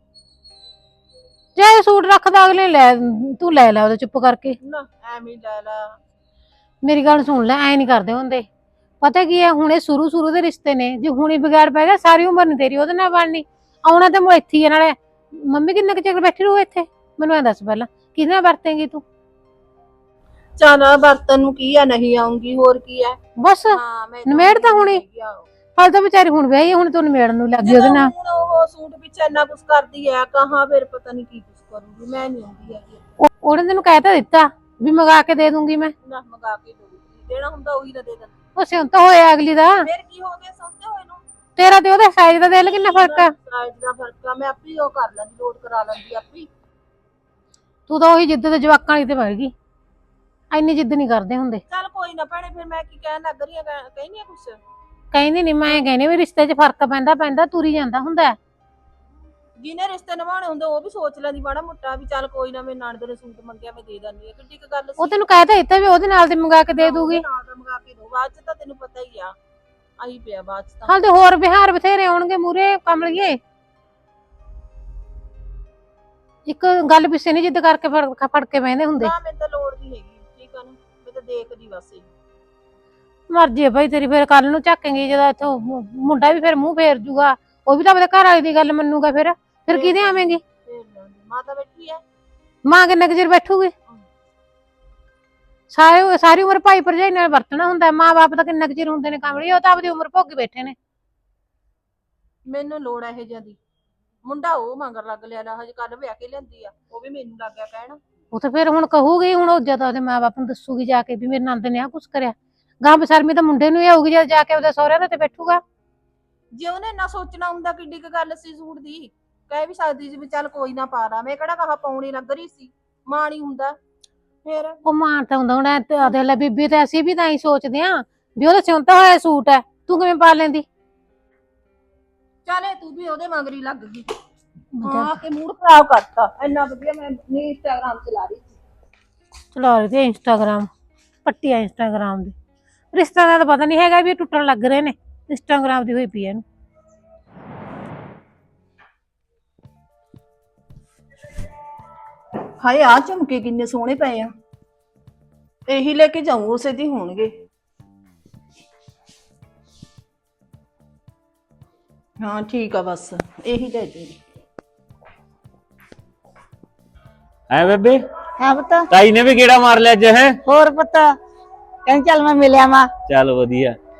Speaker 4: ਜੇ ਇਹ ਸੂਟ ਰੱਖਦਾ ਅਗਲੇ ਲੈ, ਤੂੰ ਲੈ ਲੈ ਉਹਦੇ ਚੁੱਪ ਕਰਕੇ।
Speaker 3: ਨਾ ਐਵੇਂ ਹੀ ਲੈ ਲਾ।
Speaker 4: ਮੇਰੀ ਗੱਲ ਸੁਣ ਲੈ, ਐ ਨਹੀਂ ਕਰਦੇ ਹੁੰਦੇ। ਪਤਾ ਕੀ ਹੈ, ਹੁਣੇ ਸ਼ੁਰੂ ਸ਼ੁਰੂ ਦੇ ਰਿਸ਼ਤੇ ਨੇ, ਜੇ ਹੁਣੇ ਵਿਗਾੜ ਪੈ ਗਿਆ ਸਾਰੀ ਉਮਰ ਨੀ ਤੇਰੀ ਉਹਦੇ ਨਾਲ ਬਣਨੀ। ਆਉਣਾ ਤੇ ਮੈਂ ਇੱਥੇ ਹੀ ਆ, ਨਾਲੇ ਮੰਮੀ ਕਿੰਨਾ ਕੁ ਚਿਰ ਬੈਠੀ ਰਹੂ ਇੱਥੇ? ਮੈਨੂੰ ਐ ਦੱਸ ਪਹਿਲਾਂ, ਕਿਹਦੇ ਨਾਲ ਵਰਤੇਂਗੀ ਤੂੰ?
Speaker 3: ਚੱਲ ਬਰਤਨ ਨੂੰ ਕੀ ਆ, ਨਹੀਂ ਆਉਂਗੀ, ਹੋਰ ਕੀ ਹੈ।
Speaker 4: ਬਸ
Speaker 3: ਹਾਂ ਮੈਂ
Speaker 4: ਨਿਮੇੜ ਤਾਂ ਹੁਣੀ। ਹਾਲ ਤਾਂ ਵਿਚਾਰੀ ਹੁਣ ਵਿਆਹੀ ਆ, ਹੁਣ ਤੂੰ ਨਿਮੇੜਨ ਨੂੰ ਲੱਗੀ ਉਹਦੇ ਨਾਲ।
Speaker 3: ਹੁਣ ਉਹ ਸੂਟ ਪਿੱਛੇ ਇੰਨਾ ਕੁਝ ਕਰਦੀ ਹੈ, ਕਹਾਂ ਫਿਰ ਪਤਾ ਨਹੀਂ ਕੀ ਕੁਝ ਕਰੂਗੀ। ਮੈਂ ਨਹੀਂ ਆਉਂਦੀ ਹੈਗੀ।
Speaker 4: ਉਹ- ਉਹਨੇ ਤੈਨੂੰ ਕਹਿ ਤਾਂ ਦਿੱਤਾ ਵੀ ਮੰਗਾ ਕੇ ਦੇ ਦੂੰਗੀ ਮੈਂ।
Speaker 3: ਨਾ ਮੰਗਾ ਕੇ ਦਊਗੀ, ਦੇਣਾ ਹੁੰਦਾ ਉਹੀ ਨਾ ਦੇ ਦਿੰਦੀ।
Speaker 4: ਉਹ ਸਿਉਂ ਤਾਂ ਹੋਇਆ ਅਗਲੀ ਦਾ,
Speaker 3: ਫਿਰ ਕੀ ਹੋ ਗਿਆ, ਸਮਝੇ ਹੋਏ ਨੂੰ।
Speaker 4: ਤੇਰਾ ਤੇ ਉਹਦੇ ਸਾਈਜ਼ ਦਾ ਦੇਖ ਲੈ ਕਿੰਨਾ ਫਰਕ ਆ।
Speaker 3: ਸਾਈਜ਼ ਦਾ ਫਰਕ ਆ, ਮੈਂ ਆਪੇ ਹੀ ਉਹ ਕਰ ਲੈਂਦੀ, ਲੋਡ ਕਰਾ ਲੈਂਦੀ ਆਪੇ।
Speaker 4: ਤੂੰ ਤਾਂ ਉਹੀ ਜਿੱਦ ਤੇ ਜਵਾਕਾਂ ਵਾਲੀ ਤੇ ਵੜ ਗਈ। ਇੰਨੀ ਜਿੱਦ ਨਹੀਂ ਕਰਦੇ ਹੁੰਦੇ।
Speaker 3: ਚੱਲ ਕੋਈ ਨਾ ਭੈਣੇ, ਫਿਰ ਮੈਂ ਕੀ ਕਹਿਣ ਲੱਗ ਰਹੀ ਆ, ਕਹਿੰਦੀ ਆ ਕੁਛ।
Speaker 4: ਕਹਿੰਦੀ ਨਹੀਂ, ਮੈਂ ਕਹਿੰਦੀ ਵੀ ਰਿਸ਼ਤੇ 'ਚ ਫਰਕ ਪੈਂਦਾ ਪੈਂਦਾ ਤੁਰੀ ਜਾਂਦਾ ਹੁੰਦਾ।
Speaker 3: ਜਿਹਨੇ ਰਿਸ਼ਤੇ ਨਿਭਾਉਣੇ ਹੁੰਦੇ ਉਹ ਵੀ ਸੋਚ ਲੈਂਦੀ ਮਾੜਾ ਮੋਟਾ ਵੀ ਚੱਲ ਕੋਈ ਨਾ, ਮੇਰੇ ਨਾਨਦੇ ਨੇ ਸੂਟ ਮੰਗਿਆ ਮੈਂ ਦੇ ਦਿੰਦੀ ਆ, ਕਿੱਡੀ ਕੁ ਗੱਲ ਸੀ।
Speaker 4: ਉਹ ਤੈਨੂੰ ਕਹਿ ਤਾਂ ਦਿੱਤਾ ਵੀ ਉਹਦੇ ਨਾਲ ਤੇ ਮੰਗਾ ਕੇ ਦੇ ਦੂਗੀ।
Speaker 3: ਨਾਲ ਤਾਂ ਮੰਗਾ ਕੇ ਦੋ, ਬਾਅਦ ਚ ਤਾਂ ਤੈਨੂੰ ਪਤਾ ਹੀ ਆ, ਆਈ ਪਿਆ ਬਾਅਦ ਚ ਤਾਂ।
Speaker 4: ਹਾਲ ਤੇ ਹੋਰ ਬਿਹਾਰ ਬਥੇਰੇ ਆਉਣਗੇ ਮੂਰੇ ਕਮਲੀਏ। ਇੱਕ ਗੱਲ ਪਿੱਛੇ ਨਹੀਂ ਜਿੱਦ ਕਰਕੇ ਫੜ ਫੜ ਕੇ ਬਹਿੰਦੇ ਹੁੰਦੇ।
Speaker 3: ਨਾ ਮੈਨੂੰ ਤਾਂ ਲੋੜ ਨਹੀਂ ਹੈਗੀ, ਠੀਕ ਆ ਨਾ, ਮੈਂ ਤਾਂ ਦੇਖਦੀ ਬਸ।
Speaker 4: ਮਰਜੀ ਹੈ ਭਾਈ ਤੇਰੀ, ਫਿਰ ਕੱਲ ਨੂੰ ਝਾਕੇਂਗੀ ਜਦੋਂ ਇੱਥੋਂ ਮੁੰਡਾ ਵੀ ਫਿਰ ਮੂੰਹ ਫੇਰ ਜੂਗਾ, ਉਹ ਵੀ ਤਾਂ ਆਪਣੇ ਘਰ ਵਾਲੀ ਦੀ ਗੱਲ ਮੰਨੂਗਾ। ਫਿਰ ਫਿਰ ਕਿਹਦੇ ਆਵੇਂਗੀ?
Speaker 3: ਫੇਰ ਮਾਤਾ ਬੈਠੀ ਆ।
Speaker 4: ਮਾਂ ਕਿੰਨਾ ਕੁ ਚਿਰ ਬੈਠੂਗੀ? ਸਾਰੇ ਸਾਰੀ ਉਮਰ ਭਾਈ ਭਰਜਾਈ ਨਾਲ ਵਰਤਣਾ ਹੁੰਦਾ। ਮਾਂ ਬਾਪ ਤਾਂ ਕਿੰਨਾ ਕੁ ਚਿਰ ਹੁੰਦੇ ਨੇ ਕਾਮੜੀ, ਉਹ ਤਾਂ ਆਪਦੀ ਉਮਰ ਭੋਗੀ ਬੈਠੇ ਨੇ।
Speaker 3: ਮੈਨੂੰ ਲੋੜ ਆ ਇਹ ਜਿਆਦੀ। ਮੁੰਡਾ ਉਹ ਮੰਗਰ ਲੱਗ ਲਿਆ ਨਾ, ਹਜੇ ਕੱਲ ਵਿਆਹ ਕੇ ਲਿਆਂਦੀ ਆ, ਉਹ ਵੀ ਮੈਨੂੰ ਲੱਗ ਗਿਆ ਕਹਿਣ।
Speaker 4: ਉਹ ਤਾਂ ਫਿਰ ਹੁਣ ਕਹੂਗੀ, ਹੁਣ ਉਹ ਜਦੋਂ ਉਹਦੇ ਮਾਂ ਬਾਪ ਨੂੰ ਦੱਸੂਗੀ ਜਾ ਕੇ ਵੀ ਮੇਰੇ ਨੰਦ ਨੇ ਆ ਕੁਛ ਕਰਿਆ, ਗਾਂ ਬਸਰਮੀ ਤਾਂ ਮੁੰਡੇ ਨੂੰ ਹੀ ਆਊਗੀ ਜਦ ਜਾ ਕੇ ਉਹਦੇ ਸਹੁਰਿਆਂ ਦੇ ਤੇ ਬੈਠੂਗਾ।
Speaker 3: ਜੇ ਉਹਨੇ ਨਾ ਸੋਚਣਾ ਹੁੰਦਾ ਕਿੱਡੀ ਕੁ ਗੱਲ ਸੀ ਸੂਟ ਦੀ, ਕਹਿ ਵੀ ਸਕਦੀ ਸੀ ਵੀ ਚੱਲ ਕੋਈ ਨਾ ਪਾ ਲਾ, ਮੈਂ ਕਿਹੜਾ ਕਹਾ ਪਾਉਣੀ ਲੱਗ ਰਹੀ ਸੀ, ਮਾਂ ਨਹੀਂ ਹੁੰਦਾ ਫਿਰ।
Speaker 4: ਉਹ ਮਾਂ ਤਾਂ ਹੁੰਦਾ ਹੁਣ ਅਦੇ ਲੈ ਬੀਬੀ, ਤੇ ਅਸੀਂ ਵੀ ਤਾਂ ਹੀ ਸੋਚਦੇ ਆਂ ਵੀ ਉਹਦਾ ਸਿਉਂਤਾ ਹੋਇਆ ਸੂਟ ਹੈ, ਤੂੰ ਕਿਵੇਂ ਪਾ ਲੈਂਦੀ?
Speaker 3: ਚੱਲ ਤੂੰ ਵੀ ਉਹਦੇ ਮਗਰੀ ਲੱਗ ਗਈ, ਹਾਂ ਕਿ ਮੂਡ ਖਰਾਬ ਕਰਤਾ। ਇੰਨਾ ਵਧੀਆ ਮੈਂ ਨਹੀਂ ਇੰਸਟਾਗ੍ਰਾਮ ਚਲਾ ਰਹੀ ਸੀ।
Speaker 4: ਚਲਾ ਰਹੀ ਤੇ ਇੰਸਟਾਗ੍ਰਾਮ, ਪੱਟੀਆ ਇੰਸਟਾਗ੍ਰਾਮ ਦੀ। ਰਿਸ਼ਤਾ ਦਾ ਤਾਂ ਪਤਾ ਨਹੀਂ ਹੈਗਾ ਵੀ ਇਹ ਟੁੱਟਣ ਲੱਗ ਰਹੇ ਨੇ, ਇੰਸਟਾਗ੍ਰਾਮ ਦੀ ਹੋਈ ਪਈ ਇਹਨੂੰ।
Speaker 3: ਹਾਏ ਆ ਝੁਮਕੇ ਕਿੰਨੇ ਸੋਹਣੇ ਪਏ ਆ, ਇਹੀ ਲੈ ਕੇ ਜਾਊਂ, ਉਸੇ ਦੀ ਹੋਣਗੇ। ਹਾਂ ਠੀਕ ਆ, ਬਸ ਇਹੀ ਲੈ ਦੇ।
Speaker 5: ਐ ਬੇਬੇ,
Speaker 1: ਹਾਂ ਪੁੱਤ।
Speaker 5: ਤਾਈ ਨੇ ਵੀ ਗੇੜਾ ਮਾਰ ਲਿਆ ਅੱਜ ਹੈ?
Speaker 1: ਹੋਰ ਪੁੱਤ ਕਹਿੰਦੀ ਚੱਲ ਮੈਂ ਮਿਲਿਆ ਵਾਂ।
Speaker 5: ਚੱਲ ਵਧੀਆ।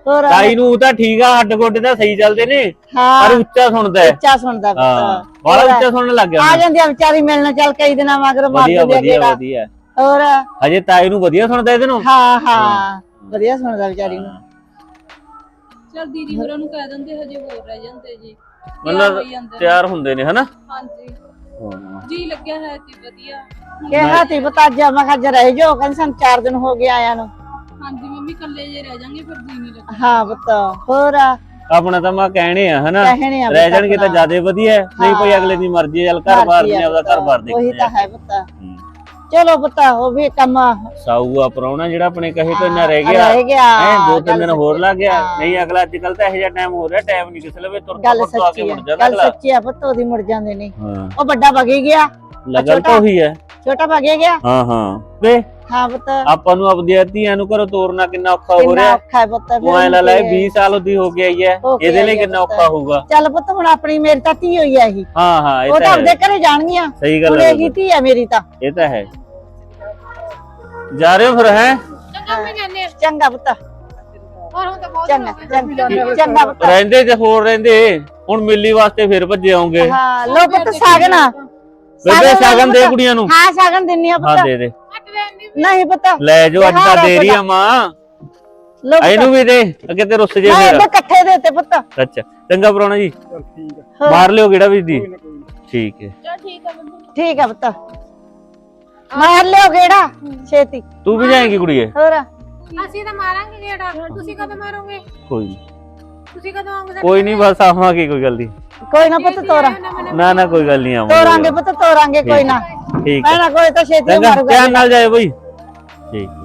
Speaker 1: ਹੋਰ
Speaker 5: ਤਾਈ ਨੂੰ ਤਾਂ ਠੀਕ ਆ, ਹੱਡ ਗੋਡੇ ਤਾਂ ਸਹੀ ਚੱਲਦੇ ਨੇ,
Speaker 1: ਹਾਂ
Speaker 5: ਪਰ ਉੱਚਾ ਸੁਣਦਾ ਹੈ।
Speaker 1: ਉੱਚਾ ਸੁਣਦਾ
Speaker 5: ਹਾਂ
Speaker 1: ਪੁੱਤ
Speaker 5: ਬੜਾ
Speaker 1: ਹੋਰ।
Speaker 5: ਉੱਚਾ ਸੁਣਨ ਲੱਗ ਗਿਆ
Speaker 1: ਆ
Speaker 5: ਹੁਣ।
Speaker 1: ਜਾਂਦੀ ਆ ਵਿਚਾਰੀ ਮਿਲਣ, ਚੱਲ ਕਈ ਦਿਨਾਂ ਮਗਰ ਮਾਰ
Speaker 5: ਵਧੀਆ
Speaker 1: ਦਿੰਦੀ ਆ
Speaker 5: ਵਧੀਆ
Speaker 1: ਗੇੜਾ।
Speaker 5: ਵਧੀਆ
Speaker 1: ਹੋਰ
Speaker 5: ਹਜੇ ਤਾਈ ਨੂੰ ਵਧੀਆ ਸੁਣਦਾ ਇਹਦੇ ਨੂੰ।
Speaker 1: ਹਾਂ ਹਾਂ ਵਧੀਆ ਸੁਣਦਾ ਵਿਚਾਰੀ ਨੂੰ।
Speaker 2: ਚਲ ਦੀਦੀ ਹੋਰਾਂ ਨੂੰ ਕਹਿ ਦਿੰਦੇ ਹਜੇ ਹੋਰ ਰਹਿ ਜਾਂਦੇ ਜੀ,
Speaker 5: ਮਤਲਬ ਤਿਆਰ ਹੁੰਦੇ ਨੇ ਹਨਾ।
Speaker 2: ਹਾਂਜੀ ਜੀ ਲੱਗਿਆ ਹੈ ਜੀ ਵਧੀਆ।
Speaker 1: ਕਿਹਾ ਤੀ ਪਤਾ ਅੱਜ ਮੈਂ ਕਿਹਾ ਜਰਾ ਜੋ ਕਹਿੰਦੇ ਸਾਨੂੰ ਚਾਰ ਦਿਨ ਹੋ ਗਏ ਆਇਆਂ ਨੂੰ।
Speaker 2: ਹਾਂਜੀ ਮੰਮੀ ਕੱਲੇ ਜੇ ਰਹਿ ਜਾਣਗੇ ਫਿਰ ਜੀ ਨਹੀਂ ਲੱਗਦਾ।
Speaker 1: ਹਾਂ ਪੁੱਤ ਹੋਰ
Speaker 5: ਆਪਣਾ ਤਾਂ ਮੈਂ ਕਹਿਣੇ ਆ ਹਨਾ,
Speaker 1: ਕਹਿਣੇ ਆ
Speaker 5: ਰਹਿ ਜਾਣਗੇ ਤਾਂ ਜਿਆਦਾ ਵਧੀਆ ਹੈ। ਨਹੀਂ ਕੋਈ ਅਗਲੇ ਦੀ ਮਰਜ਼ੀ ਹੈ, ਚੱਲ ਘਰ ਬਾਰ ਨੇ ਆਪਦਾ ਘਰ ਬਾਰ
Speaker 1: ਉਹੀ
Speaker 5: ਦੇਖਣਾ
Speaker 1: ਤਾਂ ਹੈ ਪੁੱਤ। ਚਲੋ ਪੁੱਤ ਉਹ ਵੀ ਕੰਮ
Speaker 5: ਸਾਊ ਆ ਪਰਾਉਣਾ ਜਿਹੜਾ ਆਪਣੇ ਕਹੇ ਤੋਂ ਇੰਨਾ ਰਹਿ ਗਿਆ
Speaker 1: ਰਹਿ ਗਿਆ
Speaker 5: ਹੈ, ਦੋ ਤਿੰਨ ਦਿਨ ਹੋਰ ਲੱਗ ਗਿਆ। ਨਹੀਂ ਅਗਲਾ ਅੱਜ ਕੱਲ ਤਾਂ ਇਹੋ ਜਿਹਾ ਟਾਈਮ ਹੋ ਰਿਹਾ, ਟਾਈਮ ਨਹੀਂ ਕਿਸੇ ਲਵੇ ਤੁਰ
Speaker 1: ਗੱਲ
Speaker 5: ਤੁਰ ਆ ਕੇ
Speaker 1: ਸੱਚੀ
Speaker 5: ਮੁੜ
Speaker 1: ਆ
Speaker 5: ਜਾਂਦਾ
Speaker 1: ਗੱਲ
Speaker 5: ਅਗਲਾ।
Speaker 1: ਸੱਚੀ ਆ ਪੁੱਤ ਉਹਦੀ ਮੁੜ ਜਾਂਦੇ ਨੇ।
Speaker 5: ਹਾਂ
Speaker 1: ਉਹ ਵੱਡਾ ਵਗੇ ਗਿਆ,
Speaker 5: ਲੱਗਲ ਤਾਂ ਉਹੀ ਹੈ।
Speaker 1: ਛੋਟਾ ਵਗੇ ਗਿਆ।
Speaker 5: ਹਾਂ ਹਾਂ ਵੇ
Speaker 1: ਹਾਂ ਪੁੱਤ
Speaker 5: ਆਪਾਂ ਨੂੰ ਆਪਦੀਆਂ ਧੀਆਂ ਨੂੰ ਘਰੋਂ ਤੋਰਨਾ ਕਿੰਨਾ ਔਖਾ ਹੋ
Speaker 1: ਕਿੰਨਾ
Speaker 5: ਰਿਹਾ।
Speaker 1: ਔਖਾ ਹੈ ਪੁੱਤ।
Speaker 5: ਉਹ ਐ ਲਾ ਲੈ ਵੀਹ ਸਾਲ ਉਹਦੀ ਹੋ ਗਿਆ ਹੀ ਹੈ,
Speaker 1: ਹੋ ਕੇ
Speaker 5: ਇਹਦੇ ਲਈ
Speaker 1: ਆਈ ਹੈ
Speaker 5: ਕਿੰਨਾ
Speaker 1: ਪੁੱਤ।
Speaker 5: ਔਖਾ ਹੋਊਗਾ।
Speaker 1: ਚੱਲ ਪੁੱਤ ਹੁਣ ਆਪਣੀ ਮੇਰੀ ਤਾਂ ਧੀ ਹੋਈ ਆ ਇਹੀ,
Speaker 5: ਹਾਂ ਹਾਂ ਇਹ
Speaker 1: ਉਹ
Speaker 5: ਤਾਂ
Speaker 1: ਤਾਂ
Speaker 5: ਹੈ,
Speaker 1: ਆਪਦੇ ਘਰੇ ਜਾਣਗੀਆਂ।
Speaker 5: ਸਹੀ
Speaker 1: ਹੁਣ
Speaker 5: ਗੱਲ ਹੈ,
Speaker 1: ਇਹੀ ਧੀ ਆ ਮੇਰੀ ਤਾਂ।
Speaker 5: ਇਹ ਤਾਂ ਹੈ। ਜਾ ਰਹੇ ਹੋ ਫਿਰ ਹੈ?
Speaker 4: ਚੰਗਾ ਮੈਂ ਜਾਂਦੇ ਆ।
Speaker 1: ਚੰਗਾ ਪੁੱਤ
Speaker 4: ਹੋਰ ਹੁਣ ਤਾਂ ਬਹੁਤ
Speaker 1: ਚੰਗਾ
Speaker 4: ਹੋ ਗਏ।
Speaker 1: ਚੰਗਾ ਚੰਗਾ ਪੁੱਤ।
Speaker 5: ਰਹਿੰਦੇ ਤੇ ਹੋਰ ਰਹਿੰਦੇ, ਹੁਣ ਮਿਲੀ ਵਾਸਤੇ ਫਿਰ ਭੱਜੇ ਆਉਂਗੇ।
Speaker 1: ਹਾਂ ਲੋ ਪੁੱਤ ਸਾਗਨ
Speaker 5: ਬੇਬੇ ਸ਼ਗਨ ਦੇ ਕੁੜੀਆਂ ਨੂੰ।
Speaker 1: ਹਾਂ ਸਾਗਨ ਦਿੰਨੀ ਆ
Speaker 5: ਹਾਂ
Speaker 1: ਪੁੱਤ।
Speaker 5: ਦੇ ਦੇ,
Speaker 4: ਹੱਟ ਰਹਿੰਦੀ ਵੀ।
Speaker 1: ਨਹੀਂ ਪੁੱਤ
Speaker 5: ਲੈ ਜੋ ਅੱਜ ਤਾਂ ਦੇ ਰਹੀ ਆ ਮਾਂ,
Speaker 1: ਲੋ
Speaker 5: ਇਹਨੂੰ ਵੀ ਦੇ, ਅੱਗੇ ਤੇ ਰੁੱਸ ਜੇ
Speaker 1: ਮੈਂ
Speaker 5: ਫਿਰ।
Speaker 1: ਇਹਦੇ ਇਕੱਠੇ ਦੇ ਤੇ ਪੁੱਤ।
Speaker 5: ਅੱਛਾ ਚੰਗਾ ਪਰਾਉਣਾ ਜੀ,
Speaker 7: ਚੱਲ ਠੀਕ ਆ,
Speaker 5: ਮਾਰ ਲਿਓ ਗੇੜਾ ਵੀ ਦੀ।
Speaker 7: ਕੋਈ ਨਾ ਕੋਈ ਨਾ।
Speaker 5: ਠੀਕ ਹੈ,
Speaker 3: ਚਲ ਠੀਕ ਆ ਮੰਮੀ।
Speaker 1: ਠੀਕ ਆ ਪੁੱਤ ਮਾਰ ਲਿਓ ਗੇੜਾ ਛੇਤੀ।
Speaker 5: ਤੂੰ ਵੀ ਜਾਏਂਗੀ ਕੁੜੀਏ?
Speaker 1: ਹੋਰ
Speaker 4: ਅਸੀਂ ਤਾਂ ਮਾਰਾਂਗੇ ਗੇੜਾ, ਤੁਸੀਂ ਕਦੋਂ ਮਾਰੋਗੇ?
Speaker 5: ਕੋਈ ਨੀ,
Speaker 4: ਤੁਸੀਂ ਕਦੋਂ ਆਉਂਗੇ?
Speaker 5: ਕੋਈ ਨਹੀਂ ਬਸ ਆਵਾਂਗੇ, ਕੋਈ ਗੱਲ ਨਹੀਂ।
Speaker 1: ਕੋਈ ਨਾ ਪੁੱਤ ਤੋਰਾ
Speaker 5: ਨਾ ਨਾ ਕੋਈ ਗੱਲ ਨਹੀਂ,
Speaker 1: ਤੋਰਾਂਗੇ
Speaker 5: ਆਵਾਂਗੇ।
Speaker 1: ਪੁੱਤ ਤੋਰਾਂਗੇ ਕੋਈ ਨਾ।
Speaker 5: ਠੀਕ
Speaker 1: ਮੈਂ
Speaker 5: ਹੈ
Speaker 1: ਨਾ ਕੋਈ ਤਾਂ ਛੇਤੀ
Speaker 5: ਚੰਗਾ,
Speaker 1: ਮਾਰੂਗਾ।
Speaker 5: ਧਿਆਨ ਨਾਲ ਜਾਇਓ ਬਈ। ਠੀਕ।